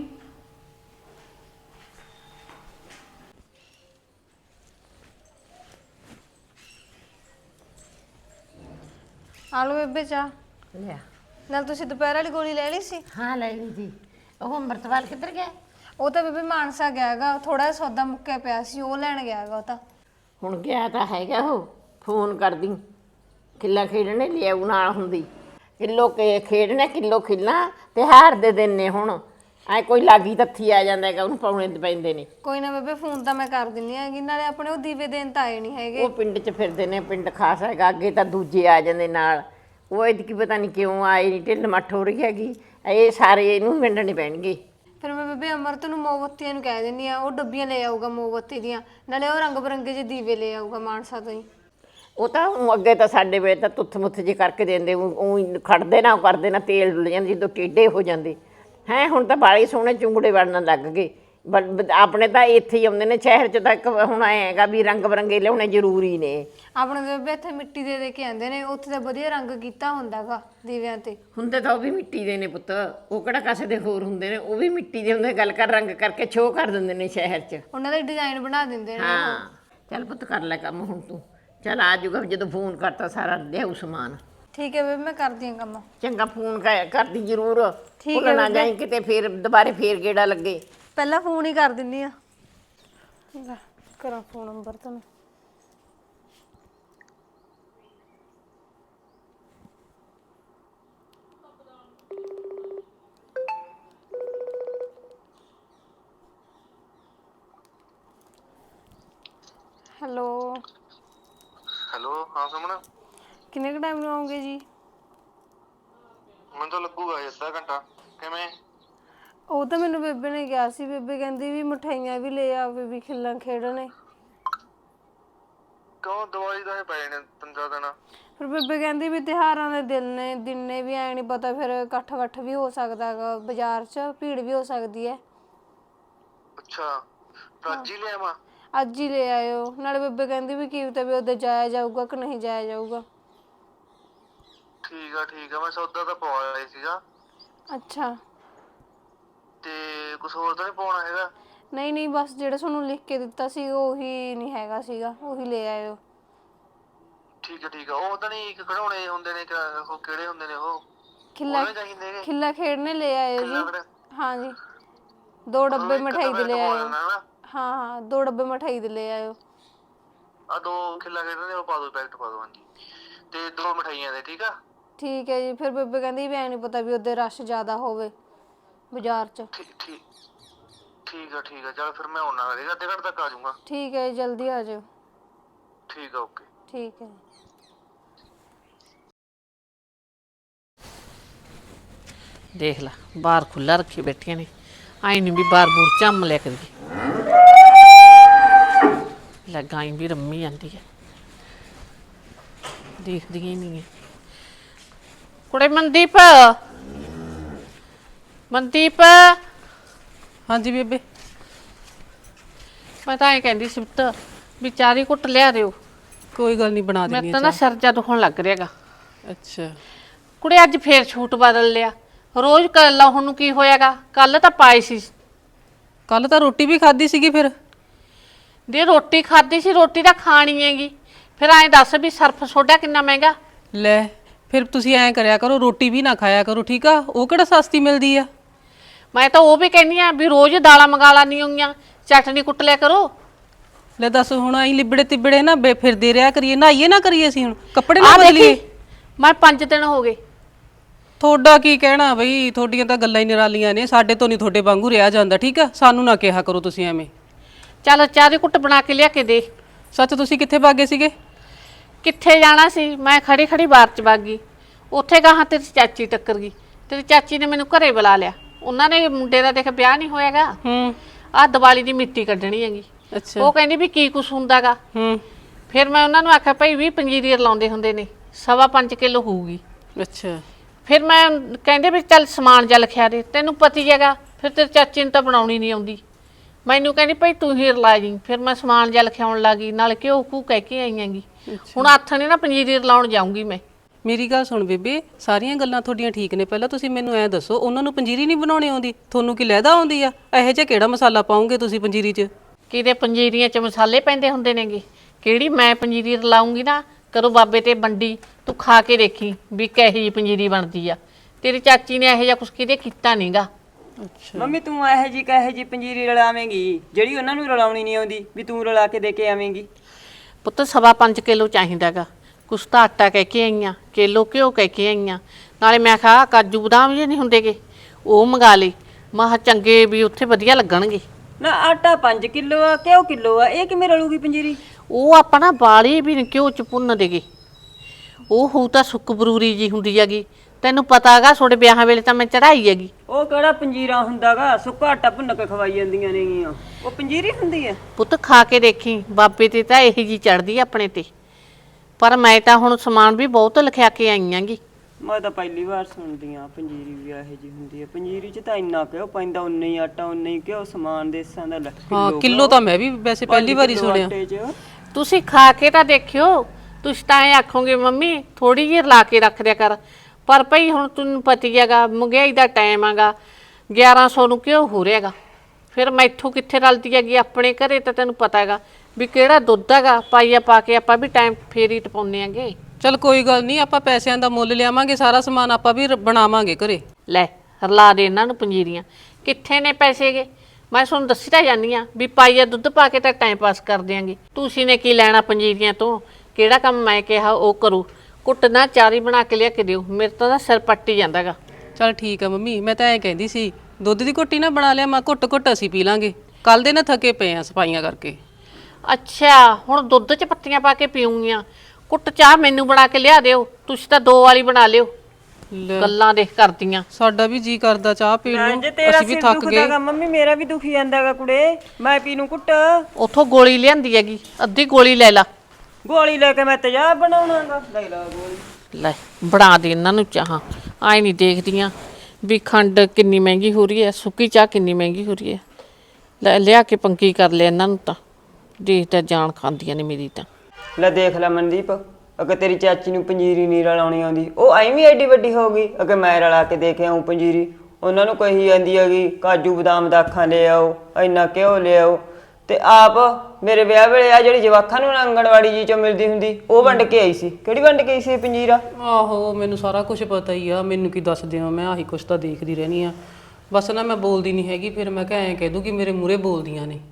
Speaker 7: ਆਲੂ ਬੇਬੇ ਚਾਹ
Speaker 2: ਲਿਆ।
Speaker 7: ਨਾਲ ਤੁਸੀਂ ਦੁਪਹਿਰ ਵਾਲੀ ਗੋਲੀ ਲੈ ਲਈ ਸੀ?
Speaker 2: ਹਾਂ ਲੈ ਲਈ ਜੀ। ਉਹ ਅੰਮ੍ਰਿਤਪਾਲ ਕਿੱਧਰ ਗਿਆ?
Speaker 7: ਉਹ ਤਾਂ ਬੇਬੇ ਮਾਨਸਾ ਗਿਆ ਹੈਗਾ, ਥੋੜਾ ਜਿਹਾ ਸੌਦਾ ਮੁੱਕਿਆ ਪਿਆ ਸੀ, ਉਹ ਲੈਣ ਗਿਆ ਹੈਗਾ ਉਹ ਤਾਂ।
Speaker 2: ਹੁਣ ਗਿਆ ਤਾਂ ਹੈਗਾ, ਉਹ ਫੋਨ ਕਰਦੀ ਖਿੱਲਾ ਖੇਡਣੇ ਲਿਆਉ ਨਾਲ ਹੁੰਦੀ। ਕਿਲੋ ਖੇਡਣੇ, ਕਿਲੋ ਖਿੱਲਾਂ ਤਿਉਹਾਰ ਦੇ ਦਿਨ ਨੇ। ਹੁਣ ਐ ਕੋਈ ਲਾਗੀ ਤੱਥੀ ਆ ਜਾਂਦਾ ਹੈਗਾ, ਉਹਨੂੰ ਪਾਉਣੇ ਪੈਂਦੇ ਨੇ।
Speaker 7: ਕੋਈ ਨਾ ਬੇਬੇ, ਫੋਨ ਤਾਂ ਮੈਂ ਕਰ ਦਿੰਦੀ ਹੈਗੀ। ਨਾਲੇ ਆਪਣੇ ਉਹ ਦੀਵੇ ਦੇਣ ਤਾਂ ਆਏ ਨਹੀਂ ਹੈਗੇ।
Speaker 2: ਉਹ ਪਿੰਡ 'ਚ ਫਿਰਦੇ ਨੇ, ਪਿੰਡ ਖਾਸ ਹੈਗਾ। ਅੱਗੇ ਤਾਂ ਦੂਜੇ ਆ ਜਾਂਦੇ ਨਾਲ, ਉਹ ਐਤਕੀ ਪਤਾ ਨਹੀਂ ਕਿਉਂ ਆਏ ਨਹੀਂ, ਢਿੱਲ ਮੱਠ ਹੋ ਰਹੀ ਹੈਗੀ। ਇਹ ਸਾਰੇ ਇਹਨੂੰ ਵੰਡਣੇ ਪੈਣਗੇ।
Speaker 7: ਫਿਰ ਮੈਂ ਬੇਬੇ ਅਮਰਤ ਨੂੰ ਮੋਮਬੱਤੀਆਂ ਨੂੰ ਕਹਿ ਦਿੰਦੀ ਆ, ਉਹ ਡੱਬੀਆਂ ਲੈ ਆਊਗਾ ਮੋਮਬੱਤੀ ਦੀਆਂ, ਨਾਲੇ ਉਹ ਰੰਗ ਬਰੰਗੇ ਜਿਹੇ ਦੀਵੇ ਲੈ ਆਊਗਾ ਮਾਨਸਾ ਤੋਂ ਹੀ।
Speaker 2: ਉਹ ਤਾਂ ਊਂ ਅੱਗੇ ਤਾਂ ਸਾਡੇ ਵੇਲੇ ਤਾਂ ਤੁੱਥ ਮੁੱਥ ਜੇ ਕਰਕੇ ਦਿੰਦੇ, ਉਹ ਖੜਦੇ ਨਾ, ਉਹ ਕਰਦੇ ਨਾ, ਤੇਲ ਡੁੱਲ ਜਾਂਦੇ ਜਦੋਂ ਟੇਢੇ ਹੋ ਜਾਂਦੇ ਹੈ। ਹੁਣ ਤਾਂ ਬਾਲੇ ਸੋਹਣੇ ਚੁੰਗੜੇ ਬਣਨ ਲੱਗ ਗਏ। ਆਪਣੇ ਤਾਂ ਇੱਥੇ ਹੀ ਆਉਂਦੇ ਨੇ, ਸ਼ਹਿਰ 'ਚ ਤਾਂ ਇੱਕ ਹੁਣ ਐਂ ਹੈਗਾ ਵੀ ਰੰਗ ਬਰੰਗੇ ਲਿਆਉਣੇ ਜ਼ਰੂਰੀ ਨੇ।
Speaker 7: ਆਪਣੇ ਬੇਬੇ ਇੱਥੇ ਮਿੱਟੀ ਦੇ ਕੇ ਆਉਂਦੇ ਨੇ, ਉੱਥੇ ਤਾਂ ਵਧੀਆ ਰੰਗ ਕੀਤਾ ਹੁੰਦਾਗਾ ਦੀਵਿਆਂ ਤੇ।
Speaker 2: ਹੁੰਦੇ ਤਾਂ ਉਹ ਵੀ ਮਿੱਟੀ ਦੇ ਨੇ ਪੁੱਤ, ਉਹ ਕਿਹੜਾ ਕਿਸੇ ਦੇ ਹੋਰ ਹੁੰਦੇ ਨੇ, ਉਹ ਵੀ ਮਿੱਟੀ ਦੇ ਹੁੰਦੇ। ਗੱਲ ਕਰ ਰੰਗ ਕਰਕੇ ਸ਼ੋਅ ਕਰ ਦਿੰਦੇ ਨੇ ਸ਼ਹਿਰ 'ਚ।
Speaker 7: ਉਹਨਾਂ ਦੇ ਡਿਜ਼ਾਈਨ ਬਣਾ ਦਿੰਦੇ ਨੇ।
Speaker 2: ਹਾਂ ਚੱਲ ਪੁੱਤ ਕਰ ਲੈ ਕੰਮ ਹੁਣ ਤੂੰ। ਚੱਲ ਆ ਜਾਊਗਾ ਜਦੋਂ ਫੋਨ ਕਰਤਾ ਸਾਰਾ ਲਿਆਊ ਸਮਾਨ।
Speaker 7: ਠੀਕ ਹੈ ਬੇਬੇ, ਮੈਂ ਕਰਦੀ ਹਾਂ ਕੰਮ।
Speaker 2: ਚੰਗਾ ਫੋਨ ਕਰਦੀ ਜ਼ਰੂਰ,
Speaker 7: ਠੀਕ
Speaker 2: ਭੁੱਲ
Speaker 7: ਹੈ
Speaker 2: ਨਾ
Speaker 7: ਬੇਬੇ।
Speaker 2: ਜਾਈਂ ਕਿਤੇ ਫੇਰ ਦੁਬਾਰੇ ਫੇਰ ਗੇੜਾ ਲੱਗੇ।
Speaker 7: ਪਹਿਲਾਂ ਫੋਨ ਹੀ ਕਰ ਦਿੰਦੀ ਆ। ਕਰਾਂ ਫੋਨ ਨੰਬਰ ਤੁਹਾਨੂੰ। ਹੈਲੋ
Speaker 1: ਹੈਲੋ, ਹਾਂ ਸੁਮਨ,
Speaker 7: ਕਿੰਨੇ ਕੁ ਟਾਈਮ ਨੂੰ ਆਉਂਗੇ ਜੀ?
Speaker 1: ਮੈਨੂੰ ਤਾਂ ਲੱਗੂਗਾ ਅੱਧਾ ਘੰਟਾ। ਕਿਵੇਂ?
Speaker 7: ਉਹ ਤਾਂ ਮੈਨੂੰ ਬੇਬੇ ਨੇ ਕਿਹਾ ਸੀ, ਬੇਬੇ ਕਹਿੰਦੀ ਵੀ ਮਠਾਈਆਂ ਵੀ ਲੈ ਆਵੇ ਵੀ ਖਿੱਲਾਂ ਖੇਡਣੇ।
Speaker 1: ਕਿਉਂ, ਦਵਾਈ ਦਾ ਪਏ ਨੇ 3 ਦਿਨ।
Speaker 7: ਫਿਰ ਬੇਬੇ ਕਹਿੰਦੀ ਵੀ ਤਿਉਹਾਰਾਂ ਦੇ ਦਿਨ ਨੇ ਵੀ ਐ ਨਹੀਂ ਪਤਾ, ਫਿਰ ਇਕੱਠ ਵੱਠ ਵੀ ਹੋ ਸਕਦਾ ਗਾ, ਬਾਜ਼ਾਰ 'ਚ ਭੀੜ ਵੀ ਹੋ ਸਕਦੀ ਹੈ।
Speaker 1: ਅੱਛਾ, ਅੱਜ ਹੀ ਲਿਆਵਾਂ?
Speaker 7: ਅੱਜ ਹੀ ਲੈ ਆਇਓ। ਨਾਲੇ ਬੇਬੇ ਕਹਿੰਦੀ ਵੀ ਕੀ ਪਤਾ ਵੀ ਉਹਦੇ ਜਾਇਆ ਜਾਊਗਾ ਕਿ ਨਹੀਂ ਜਾਇਆ ਜਾਊਗਾ।
Speaker 1: ਠੀਕ ਆ, ਮੈਂ ਸੌਦਾ ਤਾਂ ਪਵਾ ਲਿਆ ਸੀਗਾ।
Speaker 7: ਅੱਛਾ,
Speaker 1: ਤੇ ਕੁਝ ਹੋਰ ਤਾਂ ਨਹੀਂ ਪਾਉਣਾ ਹੈਗਾ?
Speaker 7: ਨਹੀਂ ਬਸ ਜਿਹੜਾ ਤੁਹਾਨੂੰ ਲਿਖ ਕੇ ਦਿੱਤਾ ਸੀ ਉਹੀ ਨਹੀਂ ਹੈਗਾ ਸੀਗਾ, ਉਹੀ ਲੈ ਆਇਓ।
Speaker 1: ਠੀਕ ਆ, ਉਹ ਤਾਂ ਨਹੀਂ ਖਿਡੌਣੇ ਹੁੰਦੇ ਨੇ, ਉਹ ਕਿਹੜੇ ਹੁੰਦੇ ਨੇ ਉਹ?
Speaker 7: ਖਿੱਲਾ
Speaker 1: ਉਹਨੇ ਚਾਹੀਦੇ ਨੇ।
Speaker 7: ਖਿੱਲਾ ਖੇਡਣੇ ਲੈ ਆਇਓ ਜੀ।
Speaker 1: ਖਿੱਲਾ ਖੇਡ-
Speaker 7: ਹਾਂ ਜੀ, 2 ਡੱਬੇ ਮਠਾਈ ਦੇ ਲੈ
Speaker 1: ਪਵਾ
Speaker 7: ਆਇਓ।
Speaker 1: ਲੈਣਾ ਨਾ।
Speaker 7: ਹਾਂ 2 ਡੱਬੇ ਮਠਾਈ ਦੇ ਲੈ ਆਇਓ।
Speaker 1: ਆ 2 ਖਿੱਲਾ ਖੇਡਦੇ ਨੇ, ਉਹ ਪਾ ਦੋ, ਪੈਕਟ ਪਾ ਦੋ। ਹਾਂਜੀ, ਤੇ 2 ਮਠਾਈਆਂ ਦੇ। ਠੀਕ ਆ।
Speaker 7: ਠੀਕ ਹੈ ਜੀ। ਫਿਰ ਬੇਬੇ ਕਹਿੰਦੀ ਵੀ ਐ ਨਹੀਂ ਪਤਾ ਵੀ ਉਹਦੇ ਰਸ਼ ਜ਼ਿਆਦਾ ਹੋਵੇ ਬਾਜ਼ਾਰ 'ਚ।
Speaker 1: ਠੀਕ ਆ, ਚਲ ਫਿਰ ਮੈਂ ਆਉਣਾ ਕਰੇਗਾ, ਅੱਧੇ ਘੰਟੇ ਤੱਕ ਆ ਜਾਊਂਗਾ।
Speaker 7: ਠੀਕ ਹੈ ਜੀ, ਜਲਦੀ ਆ ਜਾਓ।
Speaker 1: ਠੀਕ ਆ, ਓਕੇ।
Speaker 7: ਠੀਕ ਹੈ।
Speaker 5: ਦੇਖ ਲੈ ਬਾਹਰ ਖੁੱਲਾ ਰੱਖੀ ਬੈਠੀਆਂ ਨੇ, ਆਈ ਨਹੀਂ ਵੀ ਬਾਹਰ ਬੂਰ ਝੰਮ ਲਿਆ ਕਰੀ। ਲੈ ਗਾਈ ਵੀ ਰੰਮੀ ਜਾਂਦੀ ਹੈ, ਦੇਖਦੀ ਹੀ ਨਹੀਂ ਹੈ। ਕੁੜੇ ਮਨਦੀਪ, ਮਨਦੀਪ।
Speaker 3: ਹਾਂਜੀ ਬੇਬੇ।
Speaker 5: ਮੈਂ ਤਾਂ ਐਂ ਕਹਿੰਦੀ ਸੀ ਪੁੱਤ ਵੀ ਚਾਰੀ ਕੁੱਟ ਲਿਆ ਦਿਓ।
Speaker 3: ਕੋਈ ਗੱਲ ਨਹੀਂ, ਬਣਾ
Speaker 5: ਮੈਂ
Speaker 3: ਦਿੰਦੀ
Speaker 5: ਤਾਂ ਨਾ ਸਿਰ ਜਾ ਦੁਖਣ ਲੱਗ ਰਿਹਾਗਾ।
Speaker 3: ਅੱਛਾ,
Speaker 5: ਕੁੜੇ ਅੱਜ ਫੇਰ ਛੂਟ ਬਦਲ ਲਿਆ। ਰੋਜ਼ ਕਰ ਲਾਉਣ ਨੂੰ ਕੀ ਹੋਇਆਗਾ? ਕੱਲ ਤਾਂ ਪਾਈ ਸੀ।
Speaker 3: ਕੱਲ ਤਾਂ ਰੋਟੀ ਵੀ ਖਾਧੀ ਸੀਗੀ। ਫਿਰ
Speaker 5: ਦੇ ਰੋਟੀ ਖਾਧੀ ਸੀ, ਰੋਟੀ ਤਾਂ ਖਾਣੀ ਹੈਗੀ। ਫਿਰ ਐਂ ਦੱਸ ਵੀ ਸਰਫ ਸੋਡਾ ਕਿੰਨਾ ਮਹਿੰਗਾ।
Speaker 3: ਲੈ, ਫਿਰ ਤੁਸੀਂ ਐਂ ਕਰਿਆ ਕਰੋ, ਰੋਟੀ ਵੀ ਨਾ ਖਾਇਆ ਕਰੋ। ਠੀਕ ਆ, ਉਹ ਕਿਹੜਾ ਸਸਤੀ ਮਿਲਦੀ ਆ।
Speaker 5: ਮੈਂ ਤਾਂ ਉਹ ਵੀ ਕਹਿੰਦੀ ਆ ਵੀ ਰੋਜ਼ ਦਾਲਾਂ ਮੰਗਾ ਲਾਨੀ ਹੋਈਆਂ, ਚਟਨੀ ਕੁੱਟ ਲਿਆ ਕਰੋ।
Speaker 3: ਲੈ ਦੱਸ, ਹੁਣ ਆਈ ਲਿਬੜੇ ਤਿਬੜੇ ਨਾ ਫਿਰਦੇ ਰਿਹਾ ਕਰੀਏ, ਨਹਾਈਏ ਨਾ ਕਰੀਏ ਅਸੀਂ, ਹੁਣ ਕੱਪੜੇ ਨਾ
Speaker 5: ਆਹ
Speaker 3: ਬਦਲੀਏ।
Speaker 5: ਦੇਖੀ, ਮੈਂ 5 ਦਿਨ ਹੋ ਗਏ।
Speaker 3: ਤੁਹਾਡਾ ਕੀ ਕਹਿਣਾ ਬਈ, ਤੁਹਾਡੀਆਂ ਤਾਂ ਗੱਲਾਂ ਹੀ ਨਿਰਾਲੀਆਂ ਨੇ। ਸਾਡੇ ਤੋਂ ਨਹੀਂ ਤੁਹਾਡੇ ਵਾਂਗੂ ਰਿਹਾ ਜਾਂਦਾ। ਠੀਕ ਆ, ਸਾਨੂੰ ਨਾ ਕਿਹਾ ਕਰੋ ਤੁਸੀਂ ਐਵੇਂ।
Speaker 5: ਚੱਲ ਚਾਹ ਦੀ ਕੁੱਟ ਬਣਾ ਕੇ ਲਿਆ ਕੇ ਦੇ।
Speaker 3: ਸੱਚ, ਤੁਸੀਂ ਕਿੱਥੇ ਭਾਗੇ ਸੀਗੇ?
Speaker 5: ਕਿੱਥੇ ਜਾਣਾ ਸੀ, ਮੈਂ ਖੜੀ ਖੜੀ ਬਾਹਰ ਚ ਵਗ ਗਈ। ਉੱਥੇ ਗਾਹਾਂ ਤੇਰੀ ਚਾਚੀ ਟੱਕਰ ਗਈ। ਤੇਰੀ ਚਾਚੀ ਨੇ ਮੈਨੂੰ ਘਰੇ ਬੁਲਾ ਲਿਆ। ਉਹਨਾਂ ਨੇ ਮੁੰਡੇ ਦਾ ਦੇਖ ਵਿਆਹ ਨਹੀਂ ਹੋਇਆਗਾ। ਆਹ ਦੀਵਾਲੀ ਦੀ ਮਿੱਟੀ ਕੱਢਣੀ ਹੈਗੀ।
Speaker 3: ਅੱਛਾ।
Speaker 5: ਉਹ ਕਹਿੰਦੀ ਵੀ ਕੀ ਕੁਛ ਹੁੰਦਾਗਾ। ਫਿਰ ਮੈਂ ਉਹਨਾਂ ਨੂੰ ਆਖਿਆ ਭਾਈ 20 ਪੰਜੀਰੀ ਲਾਉਂਦੇ ਹੁੰਦੇ ਨੇ, 5.25 ਕਿਲੋ ਹੋਊਗੀ।
Speaker 3: ਅੱਛਾ।
Speaker 5: ਫਿਰ ਮੈਂ ਕਹਿੰਦੇ ਵੀ ਚੱਲ ਸਮਾਨ ਜਿਹਾ ਲਿਖਿਆ ਦੇ, ਤੈਨੂੰ ਪਤੀ ਹੈਗਾ। ਫਿਰ ਤੇਰੇ ਚਾਚੀ ਨੂੰ ਤਾਂ ਬਣਾਉਣੀ ਨਹੀਂ ਆਉਂਦੀ। ਮੈਨੂੰ ਕਹਿੰਦੀ ਭਾਈ ਤੂੰ ਹੀ ਰਲਾ ਜੀ। ਫਿਰ ਮੈਂ ਸਮਾਨ ਜਿਹਾ ਲਿਖਾਉਣ ਲੱਗੀ, ਨਾਲ ਘਿਓ ਘੂ ਕਹਿ ਕੇ ਆਈ ਹੈਗੀ। ਹੁਣ ਹੱਥ ਨੇ ਨਾ ਪੰਜੀਰੀ ਰਲਾਉਣ ਜਾਊਂਗੀ ਮੈਂ।
Speaker 3: ਮੇਰੀ ਗੱਲ ਸੁਣ ਬੇਬੇ, ਸਾਰੀਆਂ ਗੱਲਾਂ ਤੁਹਾਡੀਆਂ ਠੀਕ ਨੇ। ਪਹਿਲਾਂ ਤੁਸੀਂ ਮੈਨੂੰ ਐ ਦੱਸੋ, ਉਹਨਾਂ ਨੂੰ ਪੰਜੀਰੀ ਨਹੀਂ ਬਣਾਉਣੀ ਆਉਂਦੀ? ਤੁਹਾਨੂੰ ਕੀ ਲਹਿਦਾ ਆਉਂਦੀ ਆ? ਇਹੋ ਜਿਹਾ ਕਿਹੜਾ ਮਸਾਲਾ ਪਾਉਂਗੇ ਤੁਸੀਂ ਪੰਜੀਰੀ 'ਚ?
Speaker 5: ਕਿਤੇ ਪੰਜੀਰੀਆਂ 'ਚ ਮਸਾਲੇ ਪੈਂਦੇ ਹੁੰਦੇ ਨੇਗੇ? ਕਿਹੜੀ ਮੈਂ ਪੰਜੀਰੀ ਰਲਾਉਂਗੀ ਨਾ, ਕਦੋਂ ਬਾਬੇ ਤੇ ਵੰਡੀ, ਤੂੰ ਖਾ ਕੇ ਦੇਖੀ ਵੀ ਕਿਹੋ ਜਿਹੀ ਪੰਜੀਰੀ ਬਣਦੀ ਆ। ਤੇਰੀ ਚਾਚੀ ਨੇ ਇਹੋ ਜਿਹਾ ਕੁਛ ਕਿਤੇ ਕੀਤਾ ਨਹੀਂਗਾ।
Speaker 4: ਮੰਮੀ ਤੂੰ ਇਹੋ ਜੀ ਪੰਜੀਰੀ ਰਲਾਵੇਂਗੀ ਜਿਹੜੀ ਉਹਨਾਂ ਨੂੰ ਰਲਾਉਣੀ ਨਹੀਂ ਆਉਂਦੀ, ਵੀ ਤੂੰ ਰਲਾ ਕੇ ਦੇ ਕੇ ਆਵੇਂਗੀ?
Speaker 5: ਪੁੱਤ 5.25 ਕਿਲੋ ਚਾਹੀਦਾਗਾ। ਕੁਛ ਤਾਂ ਆਟਾ ਕਹਿ ਕੇ ਆਈਆਂ, ਕਿਲੋ ਘਿਓ ਕਹਿ ਕੇ ਆਈਆਂ। ਨਾਲੇ ਮੈਂ ਕਿਹਾ ਕਾਜੂ ਬਦਾਮ ਜੇ ਨਹੀਂ ਹੁੰਦੇਗੇ, ਉਹ ਮੰਗਾ ਲਏ। ਮੈਂ ਕਿਹਾ ਚੰਗੇ ਵੀ ਉੱਥੇ ਵਧੀਆ ਲੱਗਣਗੇ।
Speaker 4: ਨਾ ਆਟਾ 5 ਕਿਲੋ ਆ, ਘਿਓ ਕਿਲੋ ਆ, ਇਹ ਕਿਵੇਂ ਰਲੂਗੀ ਪੰਜੀਰੀ?
Speaker 5: ਉਹ ਆਪਾਂ ਨਾ ਬਾਲੀ ਵੀ ਨੀ ਘਿਓ ਚ ਭੁੰਨ ਦੇਗੇ। ਉਹ ਹੋਊ ਤਾਂ ਸੁੱਕ ਬਰੂਰੀ ਜੀ ਹੁੰਦੀ ਹੈਗੀ, ਤੈਨੂੰ ਪਤਾ ਹੈਗਾ ਤੁਹਾਡੇ ਵਿਆਹਾਂ ਵੇਲੇ ਤਾਂ ਮੈਂ ਚੜਾਈ ਹੈਗੀ।
Speaker 4: ਉਹ ਕਿਹੜਾ ਪੰਜੀਰਾ ਹੁੰਦਾਗਾ, ਸੁੱਕਾ ਆਟਾ ਭੁੰਨ ਕੇ ਖਵਾਈ ਜਾਂਦੀਆਂ ਨੇਗੀਆਂ, ਉਹ ਪੰਜੀਰੀ ਹੁੰਦੀ ਹੈ।
Speaker 5: ਪੁੱਤ ਖਾ ਕੇ ਦੇਖੀ, ਬਾਬੇ ਤੇ ਤਾਂ ਇਹੀ ਜੀ ਚੜਦੀ ਆਪਣੇ ਤੇ। ਪਰ ਮੈਂ ਤਾਂ ਹੁਣ ਸਮਾਨ ਵੀ ਬਹੁਤ ਲਿਖਿਆ ਕੇ ਆਈ ਆਂਗੀ।
Speaker 4: ਮੈਂ ਤਾਂ ਪਹਿਲੀ ਵਾਰ ਸੁਣਦੀ ਆ ਪੰਜੀਰੀ ਵੀ ਇਹੋ ਜਿਹੀ ਹੁੰਦੀ ਹੈ। ਪੰਜੀਰੀ 'ਚ ਤਾਂ ਇੰਨਾ ਕਿਉਂ ਪੈਂਦਾ, ਉਨਾ ਹੀ ਆਟਾ ਉਨਾ ਹੀ ਘਿਓ, ਸਮਾਨ ਦੇਸਾਂ ਦਾ
Speaker 3: ਹਾਂ ਕਿਲੋ ਤਾਂ ਮੈਂ ਵੀ ਵੈਸੇ ਪਹਿਲੀ ਵਾਰੀ ਸੁਣਿਆ।
Speaker 5: ਤੁਸੀਂ ਖਾ ਕੇ ਤਾਂ ਦੇਖਿਓ, ਤੁਸੀਂ ਤਾਂ ਐਂ ਆਖੋਗੇ ਮੰਮੀ ਥੋੜੀ ਜਿਹੀ ਰਲਾ ਕੇ ਰੱਖ ਦਿਆ ਕਰ। ਪਰ ਭਈ ਹੁਣ ਤੈਨੂੰ ਪਤੀ ਹੈਗਾ, ਮਹਿੰਗਾਈ ਦਾ ਟਾਈਮ ਹੈਗਾ, 1100 ਨੂੰ ਕਿਉਂ ਹੋ ਰਿਹਾਗਾ। ਫਿਰ ਮੈਥੋਂ ਕਿੱਥੇ ਰਲਦੀ ਹੈਗੀ। ਆਪਣੇ ਘਰੇ ਤਾਂ ਤੈਨੂੰ ਪਤਾ ਹੈਗਾ ਵੀ ਕਿਹੜਾ ਦੁੱਧ ਹੈਗਾ, ਪਾਈਆ ਪਾ ਕੇ ਆਪਾਂ ਵੀ ਟਾਈਮ ਫੇਰੀ ਟਪਾਉਂਦੇ ਆਂਗੇ।
Speaker 3: ਚਲ ਕੋਈ ਗੱਲ ਨਹੀਂ, ਆਪਾਂ ਪੈਸਿਆਂ ਦਾ ਮੁੱਲ ਲਿਆਵਾਂਗੇ, ਸਾਰਾ ਸਮਾਨ ਆਪਾਂ ਵੀ ਬਣਾਵਾਂਗੇ ਘਰੇ।
Speaker 5: ਲੈ ਰਲਾ ਦੇ ਇਹਨਾਂ ਨੂੰ ਪੰਜੀਰੀਆਂ। ਕਿੱਥੇ ਨੇ ਪੈਸੇਗੇ? ਮੈਂ ਤੁਹਾਨੂੰ ਦੱਸੀ ਤਾਂ ਜਾਂਦੀ ਆ ਵੀ ਪਾਈਆ ਦੁੱਧ ਪਾ ਕੇ ਤਾਂ ਟਾਈਮ ਪਾਸ ਕਰ ਦਿਆਂਗੇ। ਤੁਸੀਂ ਨੇ ਕੀ ਲੈਣਾ ਪੰਜੀਰੀਆਂ ਤੋਂ? ਕਿਹੜਾ ਕੰਮ ਮੈਂ ਕਿਹਾ ਉਹ ਕਰੂ। ਕੁੱਟ ਨਾ ਚਾਰੀ ਬਣਾ ਕੇ ਲਿਆ ਕੇ ਦਿਓ, ਮੇਰੇ ਤਾਂ ਨਾ ਸਿਰ ਪੱਟੀ ਜਾਂਦਾਗਾ।
Speaker 3: ਚਲ ਠੀਕ ਆ ਮੰਮੀ, ਮੈਂ ਤਾਂ ਐਂ ਕਹਿੰਦੀ ਸੀ ਦੁੱਧ ਦੀ ਘੁੱਟੀ ਨਾ ਬਣਾ ਲਿਆ, ਮੈਂ ਘੁੱਟ ਅਸੀਂ ਪੀ ਲਾਂਗੇ। ਕੱਲ ਦੇ ਨਾ ਥੱਕੇ ਪਏ ਆ ਸਫਾਈਆਂ ਕਰਕੇ।
Speaker 5: ਅੱਛਾ ਹੁਣ ਦੁੱਧ 'ਚ ਪੱਤੀਆਂ ਪਾ ਕੇ ਪੀਉਂਗੀਆਂ। ਕੁੱਟ ਚਾਹ ਮੈਨੂੰ ਬਣਾ ਕੇ ਲਿਆ ਦਿਓ, ਤੁਸੀਂ ਤਾਂ 2 ਵਾਲੀ ਬਣਾ ਲਿਓ। ਗੱਲਾਂ ਦੇਖ ਕਰਦੀਆਂ।
Speaker 3: ਸਾਡਾ ਵੀ ਜੀ ਕਰਦਾ ਚਾਹ ਪੀਣ ਨੂੰ,
Speaker 4: ਜੇ ਤੇਰਾ
Speaker 3: ਅਸੀਂ ਵੀ
Speaker 4: ਸਿਰ
Speaker 3: ਥੱਕ ਗਏ।
Speaker 4: ਦੁਖਦਾਗਾ ਮੰਮੀ, ਮੇਰਾ ਵੀ ਦੁਖੀ ਜਾਂਦਾਗਾ ਕੁੜੇ, ਮੈਂ ਪੀ ਨੂੰ ਕੁੱਟ।
Speaker 5: ਉਥੋਂ ਗੋਲੀ ਲਿਆਂਦੀ ਹੈਗੀ, ਅੱਧੀ ਗੋਲੀ ਲੈ ਲਾ।
Speaker 4: ਗੋਲੀ ਲੈ ਕੇ ਮੈਂ ਤੇਜ਼ਾਬ ਬਣਾਉਣਾਗਾ, ਲੈ ਲਾ ਗੋਲੀ।
Speaker 5: ਲੈ ਬਣਾ ਦੇ ਇਹਨਾਂ ਨੂੰ ਚਾਹਾਂ। ਆਏ ਨਹੀਂ ਦੇਖਦੀਆਂ ਵੀ ਖੰਡ ਕਿੰਨੀ ਮਹਿੰਗੀ ਹੋ ਰਹੀ ਹੈ, ਸੁੱਕੀ ਚਾਹ ਕਿੰਨੀ ਮਹਿੰਗੀ ਹੋ ਰਹੀ ਹੈ। ਲੈ ਲਿਆ ਕੇ ਪੰਕੀ ਕਰ ਲਿਆ ਇਹਨਾਂ ਨੂੰ ਤਾਂ, ਦੇਖ ਤਾਂ ਜਾਨ ਖਾਂਦੀਆਂ ਨੇ ਮੇਰੀ ਤਾਂ।
Speaker 4: ਲੈ ਦੇਖ ਲੈ ਮਨਦੀਪ, ਅਗੇ ਤੇਰੀ ਚਾਚੀ ਨੂੰ ਪੰਜੀਰੀ ਨਹੀਂ ਰਲਾਉਣੀ ਆਉਂਦੀ, ਉਹ ਐਵੇਂ ਐਡੀ ਵੱਡੀ ਹੋ ਗਈ। ਅਗੇ ਮੈਂ ਰਲਾ ਕੇ ਦੇ ਕੇ ਆਊਂ ਪੰਜੀਰੀ, ਉਹਨਾਂ ਨੂੰ ਕਹੀ ਜਾਂਦੀ ਹੈਗੀ ਕਾਜੂ ਬਦਾਮ ਦਾ ਅੱਖਾਂ ਲੈ ਆਓ, ਇੰਨਾ ਘਿਓ ਲੈ ਆਓ। ਤੇ ਆਪ ਮੇਰੇ ਵਿਆਹ ਵੇਲੇ ਆ ਜਿਹੜੀ ਜਵਾਖਾਂ ਨੂੰ ਆਂਗਣਵਾੜੀ ਜੀ ਚੋਂ ਮਿਲਦੀ ਹੁੰਦੀ, ਉਹ ਵੰਡ ਕੇ ਆਈ ਸੀ। ਕਿਹੜੀ ਵੰਡ ਕੇ ਆਈ ਸੀ ਪੰਜੀਰਾ?
Speaker 3: ਆਹੋ ਮੈਨੂੰ ਸਾਰਾ ਕੁਝ ਪਤਾ ਹੀ ਆ, ਮੈਨੂੰ ਕੀ ਦੱਸਦੇ ਹੋ, ਮੈਂ ਆਹੀ ਕੁਛ ਤਾਂ ਦੇਖਦੀ ਰਹਿਣੀ ਆ। ਬਸ ਨਾ ਮੈਂ ਬੋਲਦੀ ਨਹੀਂ ਹੈਗੀ, ਫਿਰ ਮੈਂ ਕਿਹਾ ਐਂ ਕਹਿ ਦੂੰ ਕਿ ਮੇਰੇ ਮੂਹਰੇ ਬੋਲਦੀਆਂ ਨੇ।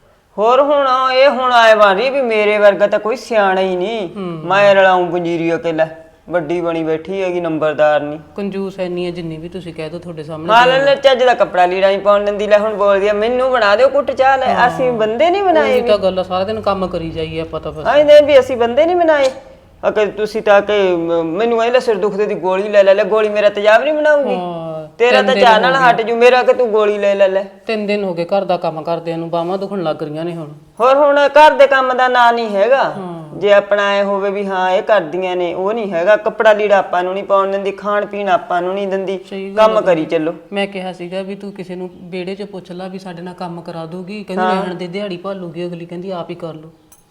Speaker 4: ਹੋਰ ਹੁਣ ਇਹ ਹੁਣ ਆਏ ਵਾਰੀ ਵੀ ਮੇਰੇ ਵਰਗਾ ਤਾਂ ਕੋਈ ਸਿਆਣਾ ਹੀ ਨਹੀਂ, ਮੈਂ ਰਲਾਉਂ ਪੰਜੀਰੀ ਅਕੇਲਾ। ਵੱਡੀ ਬਣੀ ਬੈਠੀ ਹੈਗੀ, ਨੰਬਰਦਾਰ ਨਹੀਂ।
Speaker 3: ਕੰਜੂਸ ਐਨੀ ਆ ਜਿੰਨੀ ਵੀ ਤੁਸੀਂ ਕਹਿ ਦੋ ਤੁਹਾਡੇ ਸਾਹਮਣੇ।
Speaker 4: ਹਾਂ ਲੈ ਚੱਜ ਦਾ ਕੱਪੜਾ ਲੀੜਾ ਨਹੀਂ ਪਾਉਣ ਦਿੰਦੀ। ਲੈ ਹੁਣ ਬੋਲਦੀ ਆ ਮੈਨੂੰ ਬਣਾ ਦਿਓ ਕੁੱਟ ਚਾਹ। ਲੈ ਅਸੀਂ ਬੰਦੇ ਨਹੀਂ ਬਣਾਏ।
Speaker 3: ਇਹ ਤਾਂ ਗੱਲ ਆ, ਸਾਰਾ ਦਿਨ ਕੰਮ ਕਰੀ ਜਾਈਏ ਆਪਾਂ ਤਾਂ ਬਸ।
Speaker 4: ਆਏ ਵੀ ਅਸੀਂ ਬੰਦੇ ਨਹੀਂ ਬਣਾਏ। ਅਕੇ ਤੁਸੀਂ ਤਾਂ ਕਿ ਮੈਨੂੰ ਇਹ ਲੈ ਸਿਰ ਦੁਖਦੇ ਦੀ ਗੋਲੀ ਲੈ ਲੈ। ਗੋਲੀ ਮੇਰਾ ਤੇਜ਼ਾਬ ਨਹੀਂ ਬਣਾਉਗੀ, ਤੇਰਾ ਤਾਂ ਚਾਹ ਨਾਲ ਹਟ ਜੂ, ਮੇਰਾ ਕਿ ਤੂੰ ਗੋਲੀ ਲੈ ਲੈ।
Speaker 3: 3 ਦਿਨ ਹੋ ਗਏ ਘਰ ਦਾ ਕੰਮ ਕਰਦਿਆਂ ਨੂੰ, ਬਾਹਾਂ ਦੁਖਣ ਲੱਗ ਰਹੀਆਂ ਨੇ ਹੁਣ।
Speaker 4: ਹੋਰ ਹੁਣ ਘਰ ਦੇ ਕੰਮ ਦਾ ਨਾਂ ਨਹੀਂ ਹੈਗਾ। ਜੇ ਆਪਣਾ ਇਹ ਹੋਵੇ ਵੀ ਹਾਂ ਇਹ ਕਰਦੀਆਂ ਨੇ, ਉਹ ਨਹੀਂ ਹੈਗਾ। ਕੱਪੜਾ ਲੀੜਾ ਆਪਾਂ ਨੂੰ ਨਹੀਂ ਪਾਉਣ ਦਿੰਦੀ, ਖਾਣ ਪੀਣ ਆਪਾਂ ਨੂੰ ਨਹੀਂ ਦਿੰਦੀ, ਕੰਮ ਕਰੀ ਚੱਲੋ।
Speaker 3: ਮੈਂ ਕਿਹਾ ਸੀਗਾ ਵੀ ਤੂੰ ਕਿਸੇ ਨੂੰ ਵਿਹੜੇ 'ਚ ਪੁੱਛ ਲੈ ਵੀ ਸਾਡੇ ਨਾਲ ਕੰਮ ਕਰਾ ਦੂਗੀ, ਕਹਿੰਦੀ ਰਹਿਣ ਦੇ, ਦਿਹਾੜੀ ਭਾਲੂਗੀ ਅਗਲੀ, ਕਹਿੰਦੀ ਆਪ ਹੀ ਕਰ ਲਓ।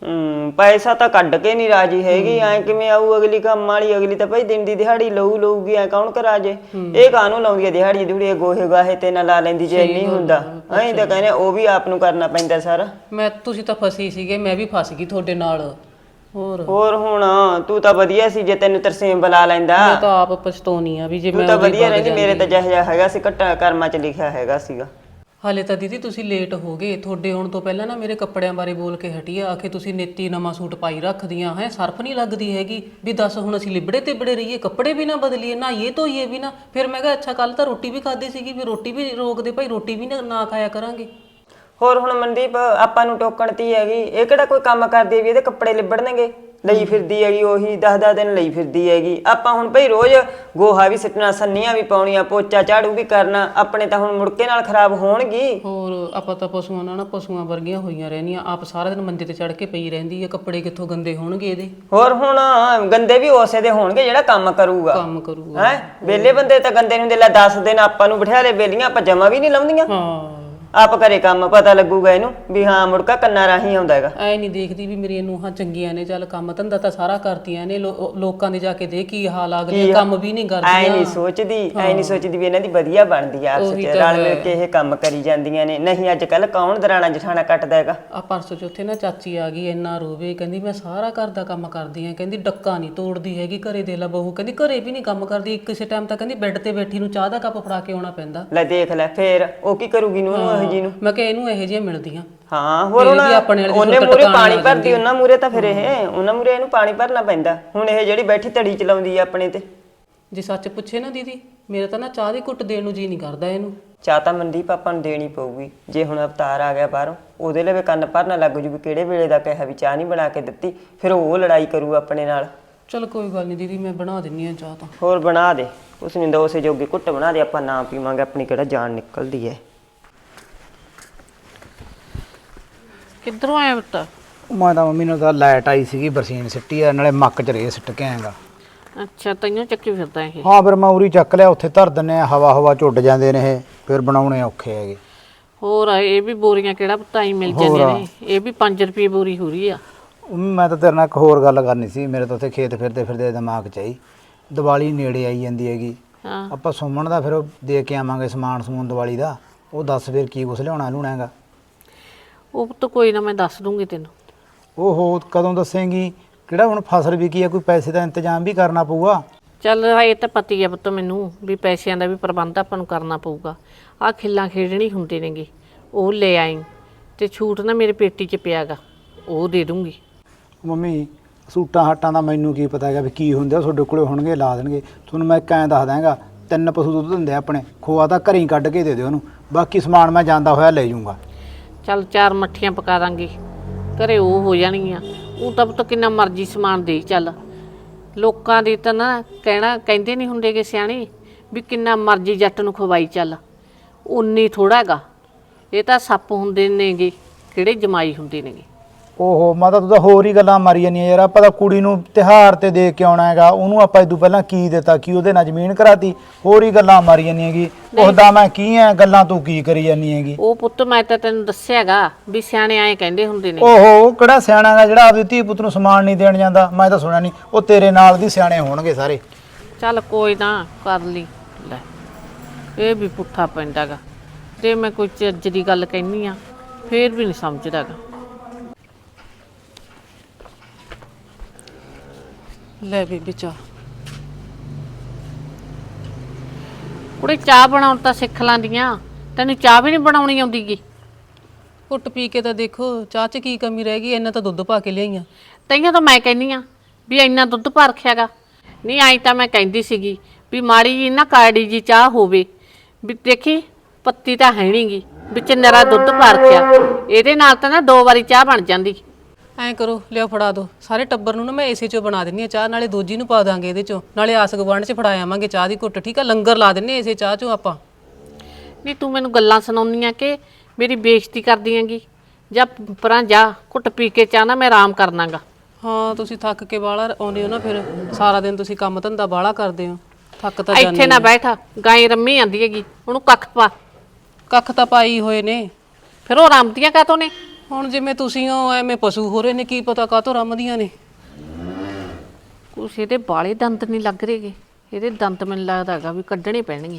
Speaker 4: ਪੈਸਾ ਤਾਂ ਕੱਢ ਕੇ ਨਹੀਂ ਰਾਜੀ ਹੈਗੀ। ਐ ਕਿਵੇਂ ਆਊ ਅਗਲੀ ਕੰਮ ਵਾਲੀ? ਅਗਲੀ ਤਾਂ ਭਾਈ ਦਿਨ ਦੀ ਦਿਹਾੜੀ ਲਊਗੀ, ਐ ਕੌਣ ਕਰਾ ਜੇ? ਇਹ ਕਾਹਨੂੰ ਲਾਉਂਦੀ ਹੈ ਦਿਹਾੜੀ ਦਿਹੜੀ? ਗੋਹੇ ਗਾਹੇ ਤੇ ਨਾ ਲਾ ਲੈਂਦੀ ਜੇ ਨਹੀਂ ਹੁੰਦਾ। ਐਂ ਤਾਂ ਕਹਿੰਦੇ ਉਹ ਵੀ ਆਪ ਨੂੰ ਕਰਨਾ ਪੈਂਦਾ ਸਾਰਾ।
Speaker 3: ਤੁਸੀਂ ਤਾਂ ਫਸੀ ਸੀਗੇ, ਮੈਂ ਵੀ ਫਸ ਗਈ ਤੁਹਾਡੇ ਨਾਲ।
Speaker 4: ਹੋਰ ਹੁਣ ਤੂੰ ਤਾਂ ਵਧੀਆ ਸੀ, ਜੇ ਤੈਨੂੰ ਤਰਸੇਮ ਬੁਲਾ ਲੈਂਦਾ।
Speaker 3: ਮੈਂ ਤਾਂ ਆਪ ਪਛਤਾਉਣੀ ਆ ਵੀ ਜੇ
Speaker 4: ਤੂੰ ਤਾਂ ਵਧੀਆ ਰਹਿੰਦੀ। ਮੇਰੇ ਤਾਂ ਜਿਹੋ ਜਿਹਾ ਹੈਗਾ ਸੀ ਘੱਟਾ ਕਰਮਾਂ 'ਚ ਲਿਖਿਆ ਹੈਗਾ ਸੀਗਾ।
Speaker 3: ਹਾਲੇ ਤਾਂ ਦੀਦੀ ਤੁਸੀਂ ਲੇਟ ਹੋ ਗਏ। ਤੁਹਾਡੇ ਆਉਣ ਤੋਂ ਪਹਿਲਾਂ ਨਾ ਮੇਰੇ ਕੱਪੜਿਆਂ ਬਾਰੇ ਬੋਲ ਕੇ ਹਟੀ ਆ, ਆਖੇ ਤੁਸੀਂ ਨੇਤੀ ਨਵਾਂ ਸੂਟ ਪਾਈ ਰੱਖਦੀਆਂ ਹੈ, ਸਰਫ ਨਹੀਂ ਲੱਗਦੀ ਹੈਗੀ। ਵੀ ਦੱਸ ਹੁਣ ਅਸੀਂ ਲਿਬੜੇ ਤੇ ਬੜੇ ਰਹੀਏ, ਕੱਪੜੇ ਵੀ ਨਾ ਬਦਲੀਏ, ਨਹਾਈਏ ਧੋਈਏ ਵੀ ਨਾ। ਫਿਰ ਮੈਂ ਕਿਹਾ ਅੱਛਾ ਕੱਲ ਤਾਂ ਰੋਟੀ ਵੀ ਖਾਧੀ ਸੀਗੀ, ਵੀ ਰੋਟੀ ਵੀ ਰੋਕਦੇ ਭਾਈ, ਰੋਟੀ ਵੀ ਨਾ ਖਾਇਆ ਕਰਾਂਗੇ।
Speaker 4: ਹੋਰ ਹੁਣ ਮਨਦੀਪ ਆਪਾਂ ਨੂੰ ਟੋਕਣ ਤੀ ਹੈਗੀ, ਇਹ ਕਿਹੜਾ ਕੋਈ ਕੰਮ ਕਰਦੀ ਵੀ ਇਹਦੇ ਕੱਪੜੇ ਲਿਬੜਨਗੇ? ਲਈ ਫਿਰਦੀ ਹੈਗੀ ਉਹੀ 10-10 ਦਿਨ ਲਈ ਫਿਰਦੀ ਹੈਗੀ। ਆਪਾਂ ਹੁਣ ਭਈ ਰੋਜ਼ ਗੋਹਾ ਵੀ ਸਿੱਟਣਾ, ਸੰਨੀਆਂ ਵੀ ਪਾਉਣੀਆਂ, ਪੋਚਾ ਝਾੜੂ ਵੀ ਕਰਨਾ। ਆਪਣੇ ਤਾਂ ਹੁਣ ਮੁੜਕੇ ਨਾਲ ਖਰਾਬ ਹੋਣਗੀ।
Speaker 3: ਹੋਰ ਆਪਾਂ ਤਾਂ ਪਸ਼ੂਆਂ ਨਾਲ ਨਾ ਪਸ਼ੂਆਂ ਵਰਗੀਆਂ ਹੋਈਆਂ ਰਹਿੰਦੀਆਂ। ਆਪ ਸਾਰਾ ਦਿਨ ਮੰਜੇ ਤੇ ਚੜ ਕੇ ਪਈ ਰਹਿੰਦੀ ਹੈ, ਕੱਪੜੇ ਕਿੱਥੋਂ ਗੰਦੇ ਹੋਣਗੇ ਇਹਦੇ?
Speaker 4: ਹੋਰ ਹੁਣ ਗੰਦੇ ਵੀ ਉਸੇ ਦੇ ਹੋਣਗੇ ਜਿਹੜਾ ਕੰਮ ਕਰੂਗਾ। ਹੈ ਵਿਹਲੇ ਬੰਦੇ ਤਾਂ ਗੰਦੇ ਹੁੰਦੇ। ਲੈ 10 ਦਿਨ ਆਪਾਂ ਨੂੰ ਬਿਠਾ ਲੈ ਬੇਲੀਆਂ, ਆਪਾਂ ਜਮਾ ਵੀ ਨਹੀਂ ਲਾਉਂਦੀਆਂ। ਆਪ ਕਰੇ ਕੰਮ, ਪਤਾ ਲੱਗੂਗਾ ਇਹਨੂੰ ਵੀ ਹਾਂ ਮੁੜਕਾ ਕੰਨਾਂ ਰਾਹੀਂ ਆਉਂਦਾ ਹੈਗਾ।
Speaker 3: ਐ ਨਹੀਂ ਦੇਖਦੀ ਵੀ ਮੇਰੀਆਂ ਨੂੰਹਾਂ ਚੰਗੀਆਂ ਨੇ, ਚੱਲ ਕੰਮ ਧੰਦਾ ਤਾਂ ਸਾਰਾ ਕਰਦੀਆਂ ਨੇ। ਲੋਕਾਂ ਦੇ ਜਾ ਕੇ ਦੇ ਕੀ ਹਾਲ ਆ ਗਏ, ਕੰਮ ਵੀ ਨਹੀਂ ਕਰਦੀਆਂ।
Speaker 4: ਐ ਨਹੀਂ ਸੋਚਦੀ ਵੀ ਇਹਨਾਂ ਦੀ ਵਧੀਆ ਬਣਦੀ ਆ, ਆਪਸ ਵਿੱਚ ਰਲ ਮਿਲ ਕੇ ਇਹ ਕੰਮ ਕਰੀ ਜਾਂਦੀਆਂ ਨੇ। ਨਹੀਂ ਅੱਜ ਕੱਲ ਕੌਣ ਦਰਾਣਾ ਜਠਾਣਾ ਕੱਟਦਾ ਹੈਗਾ।
Speaker 3: ਆ ਪਰਸੋਂ ਚੌਥੇ ਨਾ ਚਾਚੀ ਆ ਗਈ, ਇੰਨਾ ਰੋਵੇ, ਕਹਿੰਦੀ ਮੈਂ ਸਾਰਾ ਘਰ ਦਾ ਕੰਮ ਕਰਦੀ ਆ, ਕਹਿੰਦੀ ਡੱਕਾ ਨਹੀਂ ਤੋੜਦੀ ਹੈਗੀ ਘਰੇ। ਦੇ ਲਾ ਬਹੂ ਕਹਿੰਦੀ ਘਰੇ ਵੀ ਨਹੀਂ ਕੰਮ ਕਰਦੀ, ਕਿਸੇ ਟਾਈਮ ਤਾਂ ਕਹਿੰਦੀ ਬੈੱਡ ਤੇ ਬੈਠੀ ਨੂੰ ਚਾਹ ਦਾ ਕੱਪ ਫੜਾ ਕੇ ਆਉਣਾ ਪੈਂਦਾ।
Speaker 4: ਲੈ ਦੇਖ ਲੈ ਫੇਰ ਉਹ ਕੀ ਕਰੂਗੀ ਨੂੰ ਜੀ ਨੂੰ।
Speaker 3: ਮੈਂ ਕਿਹਾ ਇਹਨੂੰ ਇਹੋ ਜਿਹੀਆਂ ਮਿਲਦੀਆਂ।
Speaker 4: ਹਾਂ ਹੋਰ ਉਹਨੇ ਮੂਰੇ ਪਾਣੀ ਭਰਦੀ, ਉਹਨਾਂ ਮੂਰੇ ਤਾਂ ਫਿਰ ਉਹਨਾਂ ਮੂਰੇ ਇਹਨੂੰ ਪਾਣੀ ਭਰਨਾ ਪੈਂਦਾ। ਹੁਣ ਇਹ ਜਿਹੜੀ ਬੈਠੀ ਧੜੀ ਚਲਾਉਂਦੀ ਆ ਆਪਣੇ ਤੇ।
Speaker 3: ਜੇ ਸੱਚ ਪੁੱਛੇ ਨਾ ਦੀਦੀ, ਮੇਰੇ ਤਾਂ ਨਾ ਚਾਹ ਦੀ ਘੁੱਟ ਦੇਣ ਨੂੰ ਜੀ ਨਹੀਂ ਕਰਦਾ ਇਹਨੂੰ।
Speaker 4: ਚਾਹ ਤਾਂ ਮਨਦੀਪ ਆਪਾਂ ਨੂੰ ਦੇਣੀ ਪਊਗੀ। ਜੇ ਹੁਣ ਅਵਤਾਰ ਆ ਗਿਆ ਬਾਹਰੋਂ, ਉਹਦੇ ਲਈ ਕੰਨ ਭਰਨਾ ਲੱਗ ਜੂ ਵੀ ਕਿਹੜੇ ਵੇਲੇ ਦਾ ਕਿਹਾ ਵੀ ਚਾਹ ਨਹੀਂ ਬਣਾ ਕੇ ਦਿੱਤੀ, ਫਿਰ ਉਹ ਲੜਾਈ ਕਰੂ ਆਪਣੇ ਨਾਲ।
Speaker 3: ਚਲ ਕੋਈ ਗੱਲ ਨਹੀਂ ਦੀਦੀ, ਮੈਂ ਬਣਾ ਦਿੰਨੀ ਆ ਚਾਹ ਤਾਂ।
Speaker 4: ਹੋਰ ਬਣਾ ਦੇ। ਉਸ ਨੂੰ ਉਸੇ ਜੋਗੀ ਘੁੱਟ ਬਣਾ ਦੇ, ਆਪਾਂ ਨਾ ਪੀਵਾਂਗੇ, ਆਪਣੀ ਕਿਹੜਾ ਜਾਨ ਨਿਕਲਦੀ ਹੈ।
Speaker 5: ਕਿੱਧਰੋਂ ਆਇਆ ਪੁੱਤ?
Speaker 6: ਮੈਂ ਤਾਂ ਮੰਮੀ ਨਾਲ ਤਾਂ ਲਾਈਟ ਆਈ ਸੀਗੀ, ਬਰਸੀਨ ਸਿੱਟੀ ਆ, ਨਾਲੇ ਮੱਕ ਚ ਰੇ ਸਿੱਟ ਕੇ ਆਏਗਾ।
Speaker 5: ਅੱਛਾ ਤੈਨੂੰ ਚੱਕੀ ਫਿਰਦਾ ਇਹ।
Speaker 6: ਹਾਂ ਫਿਰ ਮੈਂ ਉਰੀ ਚੱਕ ਲਿਆ, ਉੱਥੇ ਧਰ ਦਿੰਨੇ ਆ, ਹਵਾ ਚੁੱਟ ਜਾਂਦੇ ਨੇ ਇਹ, ਫਿਰ ਬਣਾਉਣੇ ਔਖੇ ਹੈਗੇ।
Speaker 5: ਹੋਰ ਇਹ ਵੀ ਬੋਰੀਆਂ ਕਿਹੜਾ ਪੁੱਤ ਆਈ ਮਿਲ ਜਾਂਦੀਆਂ ਨੇ, ਇਹ ਵੀ 5 ਰੁਪਏ ਬੋਰੀ ਹੋ ਰਹੀ ਆ।
Speaker 6: ਮੈਂ ਤਾਂ ਤੇਰੇ ਨਾਲ ਇੱਕ ਹੋਰ ਗੱਲ ਕਰਨੀ ਸੀ, ਮੇਰੇ ਤਾਂ ਉੱਥੇ ਖੇਤ ਫਿਰਦੇ ਦਿਮਾਗ 'ਚ ਆਈ, ਦੀਵਾਲੀ ਨੇੜੇ ਆਈ ਜਾਂਦੀ ਹੈਗੀ।
Speaker 5: ਹਾਂ
Speaker 6: ਆਪਾਂ ਸੁਮਨ ਦਾ ਫਿਰ ਉਹ ਦੇ ਕੇ ਆਵਾਂਗੇ ਸਮੂਨ ਦੀਵਾਲੀ ਦਾ, ਉਹ ਦੱਸ ਫਿਰ ਕੀ ਕੁਛ ਲਿਆਉਣਾ ਹੈਗਾ।
Speaker 5: ਉਹ ਪੁੱਤ ਕੋਈ ਨਾ, ਮੈਂ ਦੱਸ ਦੂੰਗੀ ਤੈਨੂੰ।
Speaker 6: ਉਹ ਕਦੋਂ ਦੱਸੇਂਗੀ? ਕਿਹੜਾ ਹੁਣ ਫਸਲ ਵਿਕੀ ਆ, ਕੋਈ ਪੈਸੇ ਦਾ ਇੰਤਜ਼ਾਮ ਵੀ ਕਰਨਾ ਪਊਗਾ।
Speaker 5: ਚੱਲ ਇਹ ਤਾਂ ਪਤੀ ਹੈ ਪੁੱਤ ਮੈਨੂੰ ਵੀ ਪੈਸਿਆਂ ਦਾ ਵੀ ਪ੍ਰਬੰਧ ਆਪਾਂ ਨੂੰ ਕਰਨਾ ਪਊਗਾ। ਆਹ ਖਿੱਲਾਂ ਖੇਡਣੀ ਹੁੰਦੇ ਨੇਗੇ, ਉਹ ਲੈ ਆਈ ਤੇ ਛੂਟ ਨਾ ਮੇਰੇ ਪੇਟੀ 'ਚ ਪਿਆਗਾ, ਉਹ ਦੇ ਦੂੰਗੀ।
Speaker 6: ਮੰਮੀ ਸੂਟਾਂ ਹੱਟਾਂ ਦਾ ਮੈਨੂੰ ਕੀ ਪਤਾ ਹੈਗਾ ਵੀ ਕੀ ਹੁੰਦੇ, ਤੁਹਾਡੇ ਕੋਲੇ ਹੋਣਗੇ ਲਾ ਦੇਣਗੇ। ਤੁਹਾਨੂੰ ਮੈਂ ਕਹਿ ਦੱਸ ਦਾਂਗਾ, 3 ਪਸ਼ੂ ਦੁੱਧ ਦਿੰਦੇ ਆਪਣੇ, ਖੋਆ ਤਾਂ ਘਰੇ ਹੀ ਕੱਢ ਕੇ ਦੇ ਦਿਓ ਉਹਨੂੰ, ਬਾਕੀ ਸਮਾਨ ਮੈਂ ਜਾਂਦਾ ਹੋਇਆ ਲੈ ਜਾਊਂਗਾ।
Speaker 5: ਚੱਲ 4 ਮੱਠੀਆਂ ਪਕਾ ਦਾਂਗੇ, ਘਰੇ ਉਹ ਹੋ ਜਾਣਗੀਆਂ। ਉਹ ਤਾਂ ਪੁੱਤ ਕਿੰਨਾ ਮਰਜ਼ੀ ਸਮਾਨ ਦੇ ਚੱਲ, ਲੋਕਾਂ ਦੀ ਤਾਂ ਨਾ ਕਹਿੰਦੇ ਨਹੀਂ ਹੁੰਦੇ ਕਿ ਸਿਆਣੇ ਵੀ ਕਿੰਨਾ ਮਰਜ਼ੀ ਜੱਟ ਨੂੰ ਖਵਾਈ ਚੱਲ, ਉਨੀ ਥੋੜਾ ਹੈਗਾ। ਇਹ ਤਾਂ ਸੱਪ ਹੁੰਦੇ ਨੇਗੇ, ਕਿਹੜੇ ਜਮਾਈ ਹੁੰਦੇ ਨੇਗੇ।
Speaker 6: ਓਹੋ ਮਾਤਾ ਤੂੰ ਤਾਂ ਹੋਰ ਹੀ ਗੱਲਾਂ ਮਾਰੀ ਜਾਂਦੀਆਂ ਯਾਰ। ਆਪਾਂ ਤਾਂ ਕੁੜੀ ਨੂੰ ਤਿਉਹਾਰ ਤੇ ਦੇ ਕੇ ਆਉਣਾ ਹੈਗਾ, ਉਹਨੂੰ ਆਪਾਂ ਇਦੋਂ ਪਹਿਲਾਂ ਕੀ ਦਿੱਤਾ, ਕੀ ਉਹਦੇ ਨਾਲ ਜ਼ਮੀਨ ਕਰਾਤੀ, ਹੋਰ ਹੀ ਗੱਲਾਂ ਮਾਰੀ ਜਾਂਦੀਆਂ ਹੈਗੀ। ਉਹਦਾ ਮੈਂ ਕੀ ਐ, ਗੱਲਾਂ ਤੂੰ ਕੀ ਕਰੀ ਜਾਂਦੀ ਹੈਗੀ।
Speaker 5: ਉਹ ਪੁੱਤ ਮੈਂ ਤਾਂ ਤੈਨੂੰ ਦੱਸਿਆਗਾ ਵੀ ਸਿਆਣੇ ਆਏ ਕਹਿੰਦੇ ਹੁੰਦੇ ਨੇ।
Speaker 6: ਓਹੋ ਕਿਹੜਾ ਸਿਆਣਾ ਹੈਗਾ ਜਿਹੜਾ ਆਪਦੀ ਧੀ ਪੁੱਤ ਨੂੰ ਸਮਾਨ ਨਹੀਂ ਦੇਣ ਜਾਂਦਾ? ਮੈਂ ਤਾਂ ਸੁਣਿਆ ਨਹੀਂ, ਉਹ ਤੇਰੇ ਨਾਲ ਦੀ ਸਿਆਣੇ ਹੋਣਗੇ ਸਾਰੇ।
Speaker 5: ਚੱਲ ਕੋਈ ਨਾ ਕਰ ਲਈ, ਲੈ ਇਹ ਵੀ ਪੁੱਠਾ ਪੈਂਦਾਗਾ, ਤੇ ਮੈਂ ਕੋਈ ਚੱਜ ਦੀ ਗੱਲ ਕਹਿੰਦੀ ਆ ਫੇਰ ਵੀ ਨਹੀਂ ਸਮਝਦਾਗਾ। ਲੈ ਬੀਬੀ ਚਾਹ। ਕੁੜੇ ਚਾਹ ਬਣਾਉਣ ਤਾਂ ਸਿੱਖ ਲਾਂਦੀਆਂ, ਤੈਨੂੰ ਚਾਹ ਵੀ ਨਹੀਂ ਬਣਾਉਣੀ ਆਉਂਦੀਗੀ?
Speaker 3: ਘੁੱਟ ਪੀ ਕੇ ਤਾਂ ਦੇਖੋ, ਚਾਹ 'ਚ ਕੀ ਕਮੀ ਰਹਿ ਗਈ, ਇੰਨਾ ਤਾਂ ਦੁੱਧ ਪਾ ਕੇ ਲਿਆਈਆਂ।
Speaker 5: ਤਈਆਂ ਤਾਂ ਮੈਂ ਕਹਿੰਦੀ ਆ ਵੀ ਇੰਨਾ ਦੁੱਧ ਭਾ ਰੱਖਿਆਗਾ। ਨਹੀਂ ਆਈ ਤਾਂ ਮੈਂ ਕਹਿੰਦੀ ਸੀਗੀ ਵੀ ਮਾੜੀ ਜੀ ਨਾ ਕਾੜੀ ਜੀ ਚਾਹ ਹੋਵੇ, ਵੀ ਦੇਖੀ ਪੱਤੀ ਤਾਂ ਹੈ ਨਹੀਂਗੀ, ਵਿੱਚ ਨਰਾ ਦੁੱਧ ਭਾ ਰੱਖਿਆ, ਇਹਦੇ ਨਾਲ ਤਾਂ ਨਾ 2 ਵਾਰੀ ਚਾਹ ਬਣ ਜਾਂਦੀ।
Speaker 3: ਐਂ ਕਰੋ, ਲਿਆ ਫੜਾ ਦਿਓ ਸਾਰੇ ਟੱਬਰ ਨੂੰ ਨਾ, ਮੈਂ ਇਸੇ 'ਚੋਂ ਬਣਾ ਦਿੰਦੀ ਆ ਚਾਹ, ਨਾਲੇ ਦੋਜੀ ਨੂੰ ਪਾ ਦਾਂਗੇ ਇਹਦੇ 'ਚੋਂ, ਨਾਲੇ ਆਸ ਗੁਆਂਢ 'ਚ ਫੜਾ ਆਵਾਂਗੇ ਚਾਹ ਦੀ ਘੁੱਟ, ਠੀਕ ਆ? ਲੰਗਰ ਲਾ ਦਿੰਨੇ ਇਸੇ ਚਾਹ 'ਚੋਂ ਆਪਾਂ।
Speaker 5: ਨਹੀਂ ਤੂੰ ਮੈਨੂੰ ਗੱਲਾਂ ਸੁਣਾਉਂਦੀਆਂ ਕਿ ਮੇਰੀ ਬੇਇੱਜ਼ਤੀ ਕਰਦੀ ਹੈਗੀ? ਜਾਂ ਪਰਾਂ ਜਾ, ਘੁੱਟ ਪੀ ਕੇ ਚਾਹ ਨਾ ਮੈਂ ਆਰਾਮ ਕਰਨਾਗਾ।
Speaker 3: ਹਾਂ ਤੁਸੀਂ ਥੱਕ ਕੇ ਬਾਹਲਾ ਆਉਂਦੇ ਹੋ ਨਾ, ਫਿਰ ਸਾਰਾ ਦਿਨ ਤੁਸੀਂ ਕੰਮ ਧੰਦਾ ਬਾਹਲਾ ਕਰਦੇ ਹੋ, ਥੱਕ ਤਾਂ ਜਾਂਦੇ।
Speaker 5: ਇੱਥੇ ਨਾ ਬੈਠ, ਗਾਂ ਰੰਮੀ ਆਂਦੀ ਹੈਗੀ, ਉਹਨੂੰ ਕੱਖ ਪਾ।
Speaker 3: ਕੱਖ ਤਾਂ ਪਾਈ ਹੋਏ ਨੇ,
Speaker 5: ਫਿਰ ਉਹ ਰੰਮਦੀਆਂ ਕਾਹਤੋਂ ਨੇ?
Speaker 3: ਹੁਣ ਜਿਵੇਂ ਤੁਸੀਂ ਹੋ ਐਵੇਂ ਪਸ਼ੂ ਹੋ ਰਹੇ ਨੇ, ਕੀ ਪਤਾ ਕਾਹਤੋਂ ਰੰਮਦੀਆਂ ਨੇ।
Speaker 5: ਕੁਛ ਇਹਦੇ ਬਾਲੇ ਦੰਦ ਨਹੀਂ ਲੱਗ ਰਹੇਗੇ, ਇਹਦੇ ਦੰਦ ਮੈਨੂੰ ਲੱਗਦਾ ਹੈਗਾ ਵੀ ਕੱਢਣੇ ਪੈਣਗੇ।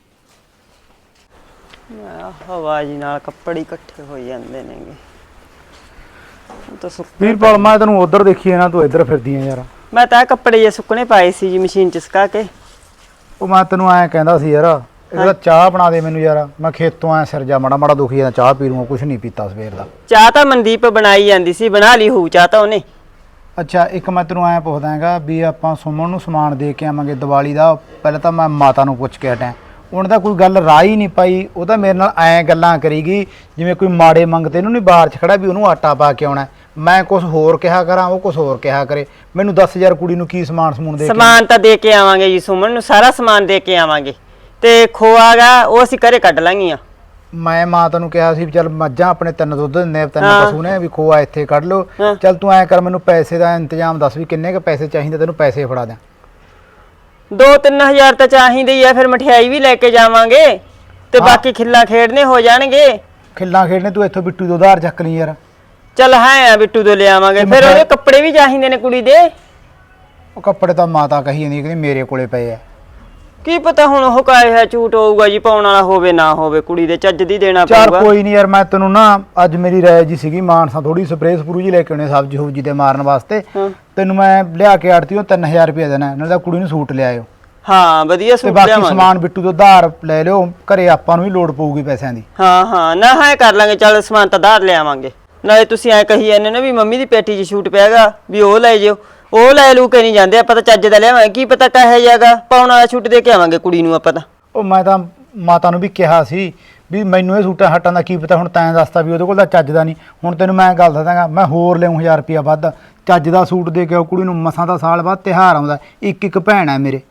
Speaker 4: ਹਵਾ ਜੀ ਨਾਲ ਕੱਪੜੇ ਇਕੱਠੇ ਹੋ ਜਾਂਦੇ ਨੇਗੇ। ਤਾਂ
Speaker 6: ਵੀਰਪਾਲ ਮੈਂ ਤੈਨੂੰ ਉਧਰ ਦੇਖੀ ਨਾ, ਤੂੰ ਇੱਧਰ ਫਿਰਦੀ ਆ ਯਾਰ।
Speaker 4: ਮੈਂ ਤਾਂ ਕੱਪੜੇ ਜੇ ਸੁੱਕਣੇ ਪਾਏ ਸੀ ਜੀ ਮਸ਼ੀਨ 'ਚ ਸੁਕਾ ਕੇ।
Speaker 6: ਉਹ ਮੈਂ ਤੈਨੂੰ ਐਂ ਕਹਿੰਦਾ ਸੀ ਯਾਰ, ਇਹਦਾ ਚਾਹ ਬਣਾ ਦੇ ਮੈਨੂੰ ਯਾਰ, ਮੈਂ ਖੇਤੋਂ ਆਇਆ ਸਿਰ ਜਾ ਮਾੜਾ ਦੁਖੀ ਜਾਂਦਾ, ਚਾਹ ਪੀ ਲੂੰਗਾ, ਕੁਛ ਨਹੀਂ ਪੀਤਾ ਸਵੇਰ ਦਾ।
Speaker 4: ਚਾਹ ਤਾਂ ਮਨਦੀਪ ਬਣਾਈ ਜਾਂਦੀ ਸੀ, ਬਣਾ ਲਈ ਹੋਊ ਚਾਹ ਤਾਂ ਉਹਨੇ।
Speaker 6: ਅੱਛਾ ਇੱਕ ਮੈਂ ਤੈਨੂੰ ਐਂ ਪੁੱਛਦਾ ਹੈਗਾ ਵੀ ਆਪਾਂ ਸੁਮਨ ਨੂੰ ਸਮਾਨ ਦੇ ਕੇ ਆਵਾਂਗੇ ਦੀਵਾਲੀ ਦਾ, ਪਹਿਲਾਂ ਤਾਂ ਮੈਂ ਮਾਤਾ ਨੂੰ ਪੁੱਛ ਕੇ ਹਟਿਆ, ਉਹਨੇ ਤਾਂ ਕੋਈ ਗੱਲ ਰਾਹ ਹੀ ਨਹੀਂ ਪਾਈ। ਉਹ ਤਾਂ ਮੇਰੇ ਨਾਲ ਐਂ ਗੱਲਾਂ ਕਰੀਗੀ ਜਿਵੇਂ ਕੋਈ ਮਾੜੇ ਮੰਗਤੇ ਨੂੰ ਨਹੀਂ ਬਾਹਰ 'ਚ ਖੜਾ ਵੀ ਉਹਨੂੰ ਆਟਾ ਪਾ ਕੇ ਆਉਣਾ। ਮੈਂ ਕੁਝ ਹੋਰ ਕਿਹਾ ਕਰਾਂ, ਉਹ ਕੁਝ ਹੋਰ ਕਿਹਾ ਕਰੇ। ਮੈਨੂੰ ਦੱਸ ਯਾਰ ਕੁੜੀ ਨੂੰ ਕੀ ਸਮੂਨ ਦੇ ਕੇ?
Speaker 4: ਸਮਾਨ ਤਾਂ ਦੇ ਕੇ ਆਵਾਂਗੇ ਜੀ, ਸੁਮਨ ਨੂੰ ਸਾਰਾ ਸਮਾਨ ਦੇ ਕੇ ਆਵਾਂਗੇ, ਤੇ ਖੋਆਗਾ ਉਹ ਅਸੀਂ ਘਰੇ ਕੱਢ ਲਾਂਗੀਆਂ।
Speaker 6: ਮੈਂ ਮਾਤਾ ਨੂੰ ਕਿਹਾ ਸੀ ਵੀ ਚੱਲ ਮੱਝਾਂ ਆਪਣੇ 3 ਦੁੱਧ ਦਿੰਦੇ, 3 ਪਸ਼ੂ ਨੇ, ਵੀ ਖੋਆ ਇੱਥੇ ਕੱਢ ਲਓ। ਚੱਲ ਤੂੰ ਐਂ ਕਰ, ਮੈਨੂੰ ਪੈਸੇ ਦਾ ਇੰਤਜ਼ਾਮ ਦੱਸ ਵੀ ਕਿੰਨੇ ਕੁ ਪੈਸੇ ਚਾਹੀਦੇ, ਤੈਨੂੰ ਪੈਸੇ ਫੜਾ ਦਿਆਂ।
Speaker 4: 2-3 ਹਜ਼ਾਰ ਤਾਂ ਚਾਹੀਦੇ ਹੀ ਆ, ਫਿਰ ਮਠਿਆਈ ਵੀ ਲੈ ਕੇ ਜਾਵਾਂਗੇ, ਤੇ ਬਾਕੀ ਖਿੱਲਾਂ ਖੇਡਨੇ ਹੋ ਜਾਣਗੇ।
Speaker 6: ਖਿੱਲਾਂ ਖੇਡਣੇ ਤੂੰ ਇੱਥੋਂ ਬਿੱਟੂ ਤੋਂ ਉਧਾਰ ਚੱਕ ਲਈ ਯਾਰ।
Speaker 4: ਚੱਲ ਹੈ ਆ ਬਿੱਟੂ ਤੋਂ ਲਿਆਵਾਂਗੇ, ਫਿਰ ਉਹਦੇ ਕੱਪੜੇ ਵੀ ਚਾਹੀਦੇ ਨੇ ਕੁੜੀ ਦੇ।
Speaker 6: ਉਹ ਕੱਪੜੇ ਤਾਂ ਮਾਤਾ ਕਹੀ ਜਾਂਦੀ ਕਿ ਮੇਰੇ ਕੋਲੇ ਪਏ ਆ।
Speaker 4: ਕੀ ਪਤਾ ਹੁਣ ਉਹ ਕਾਇ ਹੈ ਝੂਠ ਹੋਊਗਾ ਜੀ, ਪਾਉਣ ਵਾਲਾ ਹੋਵੇ ਨਾ ਹੋਵੇ, ਕੁੜੀ ਦੇ ਚੱਜ ਦੀ ਦੇਣਾ
Speaker 6: ਚਾਰ
Speaker 4: ਪਊਗਾ।
Speaker 6: ਕੋਈ ਨਹੀਂ ਯਾਰ, ਮੈਂ ਤੈਨੂੰ ਨਾ ਅੱਜ ਮੇਰੀ ਰਾਏ ਜੀ ਸੀਗੀ, ਮਾਨਸਾ ਥੋੜੀ ਸਪਰੇਅ ਸਪਰੂ ਜੀ ਲੈ ਕੇ ਆਉਣੇ ਸਬਜ਼ੀ ਹੁਬਜੀ ਤੇ ਮਾਰਨ ਵਾਸਤੇ। ਤੈਨੂੰ ਮੈਂ ਲਿਆ ਕੇ ਆੜਤੀ ਉਹ 3000 ਰੁਪਏ ਦੇਣਾ, ਨਾਲੇ ਤਾਂ ਕੁੜੀ ਨੂੰ ਸੂਟ ਲਿਆਇਓ।
Speaker 4: ਹਾਂ ਵਧੀਆ
Speaker 6: ਤੇ
Speaker 4: ਸੂਟ
Speaker 6: ਬਾਕੀ
Speaker 4: ਲਿਆਵਾਂਗੇ।
Speaker 6: ਸਮਾਨ ਬਿੱਟੂ ਤੋਂ ਉਧਾਰ ਲੈ ਲਿਓ, ਘਰੇ ਆਪਾਂ ਨੂੰ ਵੀ ਲੋੜ ਪਊਗੀ ਪੈਸਿਆਂ ਦੀ।
Speaker 4: ਹਾਂ ਨਾ ਹੈ ਕਰ ਲਾਂਗੇ, ਚੱਲ ਸਮਾਨ ਤਾਂ ਉਧਾਰ ਲਿਆਵਾਂਗੇ। ਨਾਲੇ ਤੁਸੀਂ ਐ ਕਹੀ ਜਾਂਦੇ ਨਾ ਵੀ ਮੰਮੀ ਦੀ ਪੇਟੀ 'ਚ ਛੂਟ ਪਿਆਗਾ, ਵੀ ਉਹ ਲੈ ਜਿਓ, ਉਹ ਲੈ ਲੂ ਕੇ ਨਹੀਂ ਜਾਂਦੇ, ਆਪਾਂ ਤਾਂ ਚੱਜ ਦਾ ਲਿਆਵਾਂਗੇ। ਕੀ ਪਤਾ ਕਹੇ ਜਾਗਾ, ਪਾਉਣ ਵਾਲਾ ਛੂਟ ਦੇ ਕੇ ਆਵਾਂਗੇ ਕੁੜੀ ਨੂੰ ਆਪਾਂ ਤਾਂ।
Speaker 6: ਉਹ ਮੈਂ ਤਾਂ ਮਾਤਾ ਨੂੰ ਵੀ ਕਿਹਾ ਸੀ ਵੀ ਮੈਨੂੰ ਇਹ ਸੂਟਾਂ ਹੱਟਾਂ ਦਾ ਕੀ ਪਤਾ, ਹੁਣ ਤੈਂ ਦੱਸਤਾ ਵੀ ਉਹਦੇ ਕੋਲ ਤਾਂ ਚੱਜ ਦਾ ਨਹੀਂ। ਹੁਣ ਤੈਨੂੰ ਮੈਂ ਗੱਲ ਦੱਸਾਂਗਾ, ਮੈਂ ਹੋਰ ਲਿਆਉਂ 1000 ਰੁਪਇਆ ਵੱਧ, ਚੱਜ ਦਾ ਸੂਟ ਦੇ ਕੇ ਆਓ ਕੁੜੀ ਨੂੰ। ਮਸਾਂ ਦਾ ਸਾਲ ਬਾਅਦ ਤਿਉਹਾਰ ਆਉਂਦਾ, ਇੱਕ ਭੈਣ ਹੈ ਮੇਰੇ।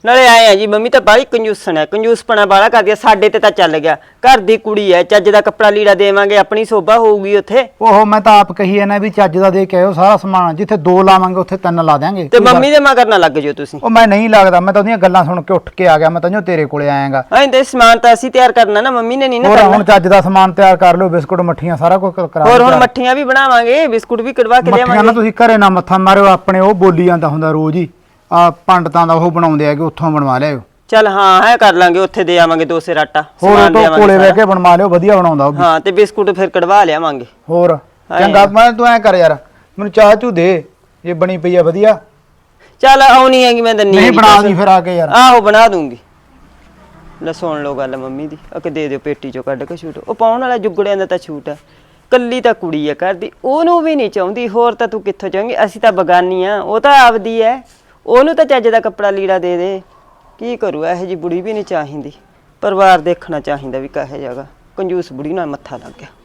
Speaker 4: ਨਾਲੇ ਆਏ ਆ ਜੀ ਮੰਮੀ ਤਾਂ ਬਾਹਲੀ ਕੰਜੂਸਣ ਹੈ, ਕੰਜੂਸਪਣਾ ਬਾਹਲਾ ਕਰਦੀ ਆ। ਸਾਡੇ ਤੇ ਤਾਂ ਚੱਲ ਗਿਆ, ਘਰ ਦੀ ਕੁੜੀ ਐ, ਚੱਜ ਦਾ ਕੱਪੜਾ ਲੀੜਾ ਦੇਵਾਂਗੇ, ਆਪਣੀ ਸੋਭਾ ਹੋਊਗੀ ਉੱਥੇ।
Speaker 6: ਉਹ ਮੈਂ ਤਾਂ ਆਪ ਕਹੀ ਹੈ ਨਾ ਵੀ ਚੱਜ ਦਾ ਦੇ ਕੇ ਆਇਓ ਸਾਰਾ ਸਮਾਨ, ਜਿੱਥੇ 2 ਲਾਵਾਂਗੇ ਉੱਥੇ 3 ਲਾ ਦਿਆਂਗੇ।
Speaker 4: ਤੇ ਮੰਮੀ ਦੇ ਮਗਰ ਨਾ ਲੱਗ ਜਿਓ ਤੁਸੀਂ।
Speaker 6: ਉਹ ਮੈਂ ਨਹੀਂ ਲੱਗਦਾ, ਮੈਂ ਤਾਂ ਉਹਦੀਆਂ ਗੱਲਾਂ ਸੁਣ ਕੇ ਉੱਠ ਕੇ ਆ ਗਿਆ, ਮੈਂ ਤਾਂ ਜੋ ਤੇਰੇ ਕੋਲੇ ਆਇਆਗਾ।
Speaker 4: ਐਂ ਤੇ ਸਮਾਨ ਤਾਂ ਅਸੀਂ ਤਿਆਰ ਕਰਨਾ ਨਾ, ਮੰਮੀ ਨੇ ਨਹੀਂ ਨਾ
Speaker 6: ਹੋਰ
Speaker 4: ਕਰਨਾ।
Speaker 6: ਹੁਣ ਚੱਜ ਦਾ ਸਮਾਨ ਤਿਆਰ ਕਰ ਲਿਓ, ਬਿਸਕੁਟ ਮੱਠੀਆਂ ਸਾਰਾ ਕੁਝ ਕਰਾ
Speaker 4: ਹੋਰ
Speaker 6: ਦਿਓ
Speaker 4: ਹੁਣ
Speaker 6: ਤਿਆਰ।
Speaker 4: ਮੱਠੀਆਂ ਵੀ ਬਣਾਵਾਂਗੇ, ਬਿਸਕੁਟ ਵੀ ਕਢਵਾ ਕੇ
Speaker 6: ਮੱਠੀਆਂ ਨਾ
Speaker 4: ਲਿਆਵਾਂਗੇ।
Speaker 6: ਤੁਸੀਂ ਘਰੇ ਨਾ ਮੱਥਾ ਮਾਰਿਓ, ਆਪਣੇ ਉਹ ਬੋਲੀ ਜਾਂਦਾ ਹੁੰਦਾ ਰੋਜ਼ ਹੀ, ਆ ਪੰਡਤਾਂ ਦਾ ਉਹ ਬਣਾਉਂਦੇ ਆ ਕਿ ਉੱਥੋਂ ਬਣਵਾ ਲਿਆਓ।
Speaker 4: ਚੱਲ ਹਾਂ ਹੈ ਕਰ ਲਾਂਗੇ, ਉੱਥੇ ਦੇ ਆਵਾਂਗੇ 2 ਸੇਰ ਆਟਾ,
Speaker 6: ਹੋਰ
Speaker 4: ਸਮਾਨ
Speaker 6: ਉਹ ਤੋਂ
Speaker 4: ਲਿਆਵਾਂਗੇ
Speaker 6: ਕੋਲੇ ਬਹਿ
Speaker 4: ਸਾਰਾ।
Speaker 6: ਕੇ ਬਣਵਾ ਲਿਓ, ਵਧੀਆ ਬਣਾਉਂਦਾ ਉਹ ਵੀ।
Speaker 4: ਹਾਂ ਤੇ ਬਿਸਕੁਟ ਫਿਰ ਕਢਵਾ ਲਿਆਵਾਂਗੇ।
Speaker 6: ਹੋਰ ਚੰਗਾ, ਮੈਂ ਤੂੰ ਐ ਕਰ ਯਾਰ, ਮੈਨੂੰ ਚਾਹ ਚੂ ਦੇ, ਜੇ ਬਣੀ ਪਈ ਆ ਵਧੀਆ।
Speaker 4: ਚੱਲ ਆਉਣੀ ਹੈਗੀ, ਮੈਂ ਦੰਨੀ
Speaker 6: ਨਹੀਂ ਬਣਾ ਦੀ ਫਿਰ ਆ ਕੇ ਯਾਰ।
Speaker 4: ਆਹੋ ਬਣਾ ਦੂੰਗੀ। ਲੈ ਸੁਣ ਲਓ ਗੱਲ ਮੰਮੀ ਦੀ, ਅਕੇ ਦੇ ਦਿਓ ਪੇਟੀ ਚੋਂ ਕੱਢ ਕੇ ਛੂਟ। ਉਹ ਪਾਉਣ ਵਾਲਾ ਜੁਗੜਿਆਂ ਦਾ ਤਾਂ ਛੂਟ ਹੈ, ਕੱਲੀ ਤਾਂ ਕੁੜੀ ਹੈ ਘਰ ਦੀ, ਉਹਨੂੰ ਵੀ ਨਹੀਂ ਚਾਹੁੰਦੀ, ਹੋਰ ਤਾਂ ਤੂੰ ਕਿੱਥੋਂ ਚਾਹੇਂਗੀ? ਅਸੀਂ ਤਾਂ ਬਗਾਨੀ ਆ, ਉਹ ਤਾਂ ਆਪਦੀ ਹੈ, ਉਹਨੂੰ ਤਾਂ ਚੱਜ ਦਾ ਕੱਪੜਾ ਲੀੜਾ ਦੇ ਦੇ। ਕੀ ਕਰੂ, ਇਹੋ ਜੀ ਬੁੜੀ ਵੀ ਨਹੀਂ ਚਾਹੀਦੀ, ਪਰਿਵਾਰ ਦੇਖਣਾ ਚਾਹੀਦਾ ਵੀ ਕਹੇ ਜਾਗਾ। ਕੰਜੂਸ ਬੁੜੀ ਨਾਲ ਮੱਥਾ ਲੱਗ ਗਿਆ।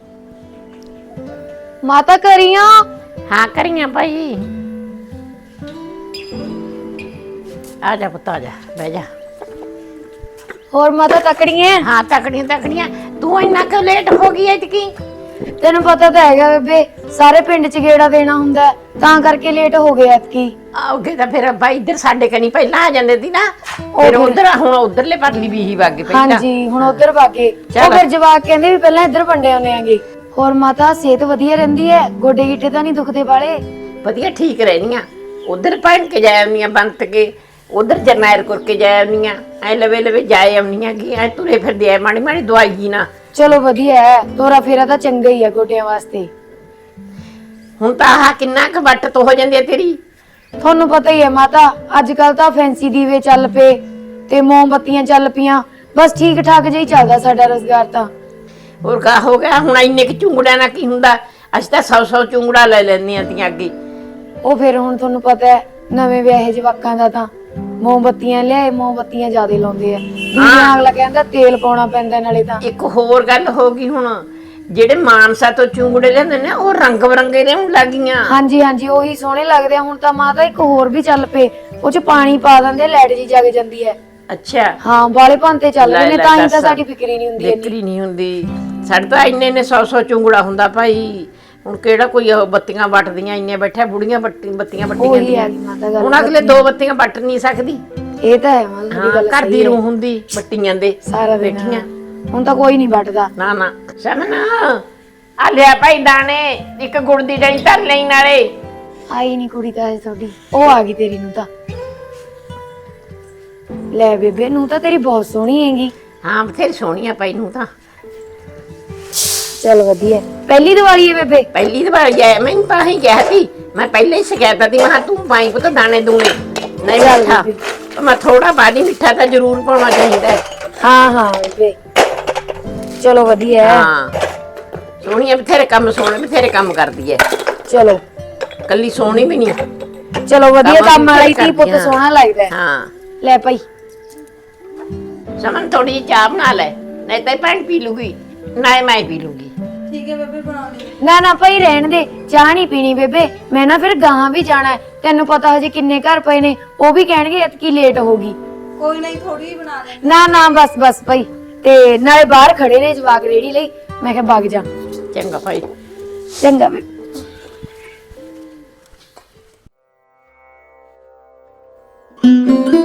Speaker 7: ਮਾਤਾ ਕਰੀਆਂ
Speaker 2: ਹਾਂ ਕਰੀਆਂ ਭਾਈ। ਆ ਜਾ ਪੁੱਤ, ਆ ਜਾ, ਬਹਿ ਜਾ।
Speaker 7: ਹੋਰ ਮਾਤਾ ਤਕੜੀਆਂ?
Speaker 2: ਹਾਂ ਤਕੜੀਆਂ ਤਕੜੀਆਂ। ਤੂੰ ਇੰਨਾ ਕਿਉਂ ਲੇਟ ਹੋ ਗਈ ਐਤਕੀ?
Speaker 7: ਤੈਨੂੰ ਪਤਾ ਤਾਂ ਹੈਗਾ ਬੇਬੇ, ਸਾਰੇ ਪਿੰਡ ਚ ਗੇੜਾ ਦੇਣਾ ਹੁੰਦਾ ਹੈ, ਤਾਂ ਕਰਕੇ ਲੇਟ ਹੋ ਗਏ ਐਤਕੀ।
Speaker 2: ਆਉਗੇ ਤਾਂ ਫਿਰ ਭਾਈ ਇੱਧਰ ਸਾਡੇ ਕਨੀ ਪਹਿਲਾਂ ਆ ਜਾਂਦੇ ਸੀ ਨਾ, ਫਿਰ ਉਧਰ ਹੁਣ ਉਧਰਲੇ ਪਰਲੀ ਬੀਹੀ ਵਾਗੇ ਪਹਿਲਾਂ।
Speaker 7: ਹਾਂਜੀ ਹੁਣ ਉਧਰ ਵਾਗੇ।
Speaker 2: ਚੱਲ।
Speaker 7: ਉਹ ਫਿਰ ਜਵਾਕ ਕਹਿੰਦੇ ਵੀ ਪਹਿਲਾਂ ਇੱਧਰ ਵੰਡੇ ਆਉਂਦੇ ਆਂਗੇ। ਹੋਰ ਮਾਤਾ ਸਿਹਤ ਵਧੀਆ ਰਹਿੰਦੀ ਹੈ? ਗੋਡੇ ਗਿੱਟੇ ਤਾਂ ਨਹੀਂ ਦੁਖਦੇ ਵਾਲੇ?
Speaker 2: ਵਧੀਆ ਠੀਕ ਰਹਿਣੀਆਂ। ਉਧਰ ਭੈਣ ਕੇ ਜਾਏ ਆਉਣੀਆਂ, ਬੰਤ ਕੇ ਉਧਰ ਜਰਨੈਲ ਕਰਕੇ ਜਾਏ ਆਉਣੀਆਂ, ਐ ਲਵੇ ਲਵੇ ਜਾਏ ਆਉਣੀਆਂ ਕਿ ਐ ਤੁਰੇ ਫਿਰਦੇ ਆ, ਮਾੜੀ ਮਾੜੀ ਦਵਾਈ ਜੀ ਨਾ।
Speaker 7: ਚਲੋ ਵਧੀਆ ਹੈ, ਤੋਰਾ ਫੇਰਾ ਤਾਂ ਚੰਗਾ ਹੀ ਹੈ ਗੋਡਿਆਂ ਵਾਸਤੇ।
Speaker 2: ਹੁਣ ਤਾਂ ਆਹ ਕਿੰਨਾ ਕੁ ਵੱਟ ਤੋਂ ਹੋ ਜਾਂਦੀ ਹੈ ਤੇਰੀ।
Speaker 7: ਤੁਹਾਨੂੰ ਪਤਾ ਹੀ ਹੈ ਮਾਤਾ, ਅੱਜ ਕੱਲ ਤਾਂ ਫੈਂਸੀ ਦੀਵੇ ਚੱਲ ਪਏ ਤੇ ਮੋਮਬੱਤੀਆਂ ਚੱਲ ਪਈਆਂ, ਬਸ ਠੀਕ ਠਾਕ ਜਿਹਾ ਹੀ ਚੱਲਦਾ ਸਾਡਾ ਰੁਜ਼ਗਾਰ ਤਾਂ।
Speaker 2: ਹੋਰ ਕਾ ਹੋ ਗਿਆ ਹੁਣ, ਇੰਨੇ ਕਿ ਚੁੰਗੜਿਆਂ ਨਾਲ ਕੀ ਹੁੰਦਾ? ਅਸੀਂ ਤਾਂ 100 ਚੁੰਗੜਾ ਲੈ ਲੈਂਦੀਆਂ ਤੀਆਂ ਅੱਗੇ।
Speaker 7: ਉਹ ਫਿਰ ਹੁਣ ਤੁਹਾਨੂੰ ਪਤਾ ਹੈ ਨਵੇਂ ਵਿਆਹੇ ਜਵਾਕਾਂ ਦਾ ਤਾਂ ਮੋਮਬੱਤੀਆਂ ਲਿਆਏ, ਮੋਮਬੱਤੀਆਂ ਜ਼ਿਆਦਾ ਲਾਉਂਦੇ ਆ। ਦੀਵਿਆਂ ਅਗਲਾ ਕਹਿੰਦਾ ਤੇਲ ਪਾਉਣਾ ਪੈਂਦਾ ਨਾਲੇ ਤਾਂ।
Speaker 2: ਇੱਕ ਹੋਰ ਗੱਲ ਹੋ ਗਈ ਹੁਣ, ਜਿਹੜੇ ਮਾਨਸਾ ਤੋਂ ਚੁੰਗੜੇ ਲੈਂਦੇ ਨੇ ਉਹ ਰੰਗ ਬਰੰਗੇ ਲਿਆਉਣ ਲੱਗੀਆਂ।
Speaker 7: ਹਾਂਜੀ ਹਾਂਜੀ ਉਹੀ ਸੋਹਣੇ ਲੱਗਦੇ ਆ। ਹੁਣ ਤਾਂ ਮਾਤਾ ਇੱਕ ਹੋਰ ਵੀ ਚੱਲ ਪਏ, ਉਹ ਚ ਪਾਣੀ ਪਾ ਦਿੰਦੇ, ਲਾਈਟ ਜੀ ਜਗ ਜਾਂਦੀ ਹੈ।
Speaker 2: ਅੱਛਾ
Speaker 7: ਹਾਂ ਵਾਲੇ ਭਾਂਤੇ ਚੱਲ ਰਹੇ ਨੇ,
Speaker 2: ਲੈ
Speaker 7: ਤਾਂ ਹੀ ਤਾਂ
Speaker 2: ਦੱਸ।
Speaker 7: ਸਾਡੀ ਫਿਕਰ ਹੀ ਨਹੀਂ ਹੁੰਦੀ ਇੰਨੀ।
Speaker 2: ਵਿਕਰੀ ਨਹੀਂ ਹੁੰਦੀ ਸਾਡੇ ਤਾਂ ਇੰਨੇ 100 ਚੁੰਗੜਾ ਹੁੰਦਾ ਭਾਈ। ਹੁਣ ਕਿਹੜਾ ਕੋਈ ਉਹ ਬੱਤੀਆਂ ਵੱਟਦੀਆਂ, ਇੰਨੇ ਬੈਠਾ ਬੁੜੀਆਂ ਬੱਤੀਆਂ ਵੱਟੀ
Speaker 7: ਉਹੀ
Speaker 2: ਜਾਂਦੀਆਂ।
Speaker 7: ਹੈ ਮਾਤਾ ਗੱਲ।
Speaker 2: ਹੁਣ ਅਗਲੇ 2 ਬੱਤੀਆਂ ਵੱਟ ਨਹੀਂ ਸਕਦੀ।
Speaker 7: ਇਹ ਤਾਂ ਹੈ ਮਾਤਾ ਦੀ
Speaker 2: ਹਾਂ
Speaker 7: ਗੱਲ
Speaker 2: ਘਰ ਦੀ
Speaker 7: ਸਹੀ ਹੈ।
Speaker 2: ਰੂਹ ਹੁੰਦੀ ਬੱਟੀਆਂ ਦੇ
Speaker 7: ਸਾਰਾ ਦਿਨ
Speaker 2: ਦੇਖੀਆਂ।
Speaker 7: ਹੁਣ ਤਾਂ ਕੋਈ ਨਹੀਂ ਵੱਟਦਾ।
Speaker 2: ਨਾ ਨਾ ਸਮਨ ਆ ਲਿਆ ਭਾਈ ਦਾਣੇ, ਇੱਕ ਗੁੜ ਦੀ ਡਲੀ ਧਰ ਲਈ ਨਾਲੇ।
Speaker 7: ਆਈ ਨਹੀਂ ਕੁੜੀ ਤਾਂ ਤੁਹਾਡੀ, ਉਹ ਆ ਗਈ ਤੇਰੀ ਨੂੰ ਤਾਂ। ਲੈ ਬੇਬੇ ਨੂੰ ਤਾਂ ਤੇਰੀ ਬਹੁਤ ਸੋਹਣੀ ਹੈਗੀ।
Speaker 2: ਹਾਂ ਬਥੇਰੀ ਸੋਹਣੀ ਆ ਭਾਈ ਨੂੰ ਤਾਂ।
Speaker 7: ਚਲ ਵਧੀਆ। ਪਹਿਲੀ ਦੀਵਾਲੀ ਹੈ ਬੇਬੇ?
Speaker 2: ਪਹਿਲੀ ਵਾਰ ਗਿਆ ਮੈਨੂੰ ਤਾਂ ਹੀ ਕਿਹਾ ਸੀ, ਮੈਂ ਪਹਿਲੇ ਹੀ ਸ਼ਿਕਾਇਤ ਦੀ, ਮੈਂ ਕਿਹਾ ਤੂੰ ਪਾਈ ਪੁੱਤ ਦਾਣੇ ਦੂਣੇ ਨਹੀਂ
Speaker 7: ਚੱਲ
Speaker 2: ਮਿੱਠਾ,
Speaker 7: ਬੀਬੀ।
Speaker 2: ਮੈਂ ਥੋੜਾ ਬਾਦੀ ਮਿੱਠਾ ਤਾਂ ਜ਼ਰੂਰ ਪਾਉਣਾ ਚਾਹੀਦਾ ਹੈ।
Speaker 7: ਹਾਂ ਹਾਂ ਬੇਬੇ ਚਲੋ ਵਧੀਆ ਹੈ।
Speaker 2: ਹਾਂ ਸੋਹਣੀ ਆ, ਬਥੇਰੇ ਕੰਮ ਸੋਹਣੇ, ਬਥੇਰੇ ਕੰਮ ਕਰਦੀ ਹੈ,
Speaker 7: ਚਲੋ
Speaker 2: ਕੱਲੀ ਸੋਹਣੀ ਵੀ ਨਹੀਂ।
Speaker 7: ਚਲੋ ਵਧੀਆ, ਕੰਮ ਵਾਲੀ
Speaker 2: ਕਰਦੀ
Speaker 7: ਧੀ ਪੁੱਤ
Speaker 2: ਹਾਂ।
Speaker 7: ਸੋਹਣਾ ਲੱਗਦਾ ਹੈ।
Speaker 2: ਹਾਂ
Speaker 7: ਲੈ ਭਾਈ
Speaker 2: ਸਮਨ ਥੋੜੀ ਜਿਹੀ ਚਾਹ ਬਣਾ ਲੈ, ਨਹੀਂ ਤਾਂ ਭੈਣ ਪੀ ਲੂਗੀ, ਨਾ ਮੈਂ ਪੀ ਲੂਗੀ।
Speaker 7: ਨਾ ਨਾ ਭਾਈ ਰਹਿਣ ਦੇ, ਚਾਹ ਨਹੀਂ ਪੀਣੀ ਬੇਬੇ, ਮੈਂ ਨਾ ਫਿਰ ਗਾਹਾਂ ਵੀ ਜਾਣਾ ਹੈ। ਤੈਨੂੰ ਪਤਾ ਹਜੇ ਕਿੰਨੇ ਘਰ ਪਏ ਨੇ, ਉਹ ਵੀ ਕਹਿਣਗੇ ਇਤਕੀ ਲੇਟ ਹੋਗੀ।
Speaker 8: ਕੋਈ ਨਹੀਂ, ਥੋੜੀ ਬਣਾ ਦੇ।
Speaker 7: ਨਾ ਨਾ ਬਸ ਬਸ ਭਾਈ, ਤੇ ਨਾਲੇ ਬਾਹਰ ਖੜੇ ਨੇ ਜਵਾਕ ਰੇੜੀ ਲਈ, ਮੈਂ ਕਿਹਾ ਵਗ ਜਾ।
Speaker 2: ਚੰਗਾ ਭਾਈ।
Speaker 7: ਚੰਗਾ ਬੇਬੇ।
Speaker 8: Thank you.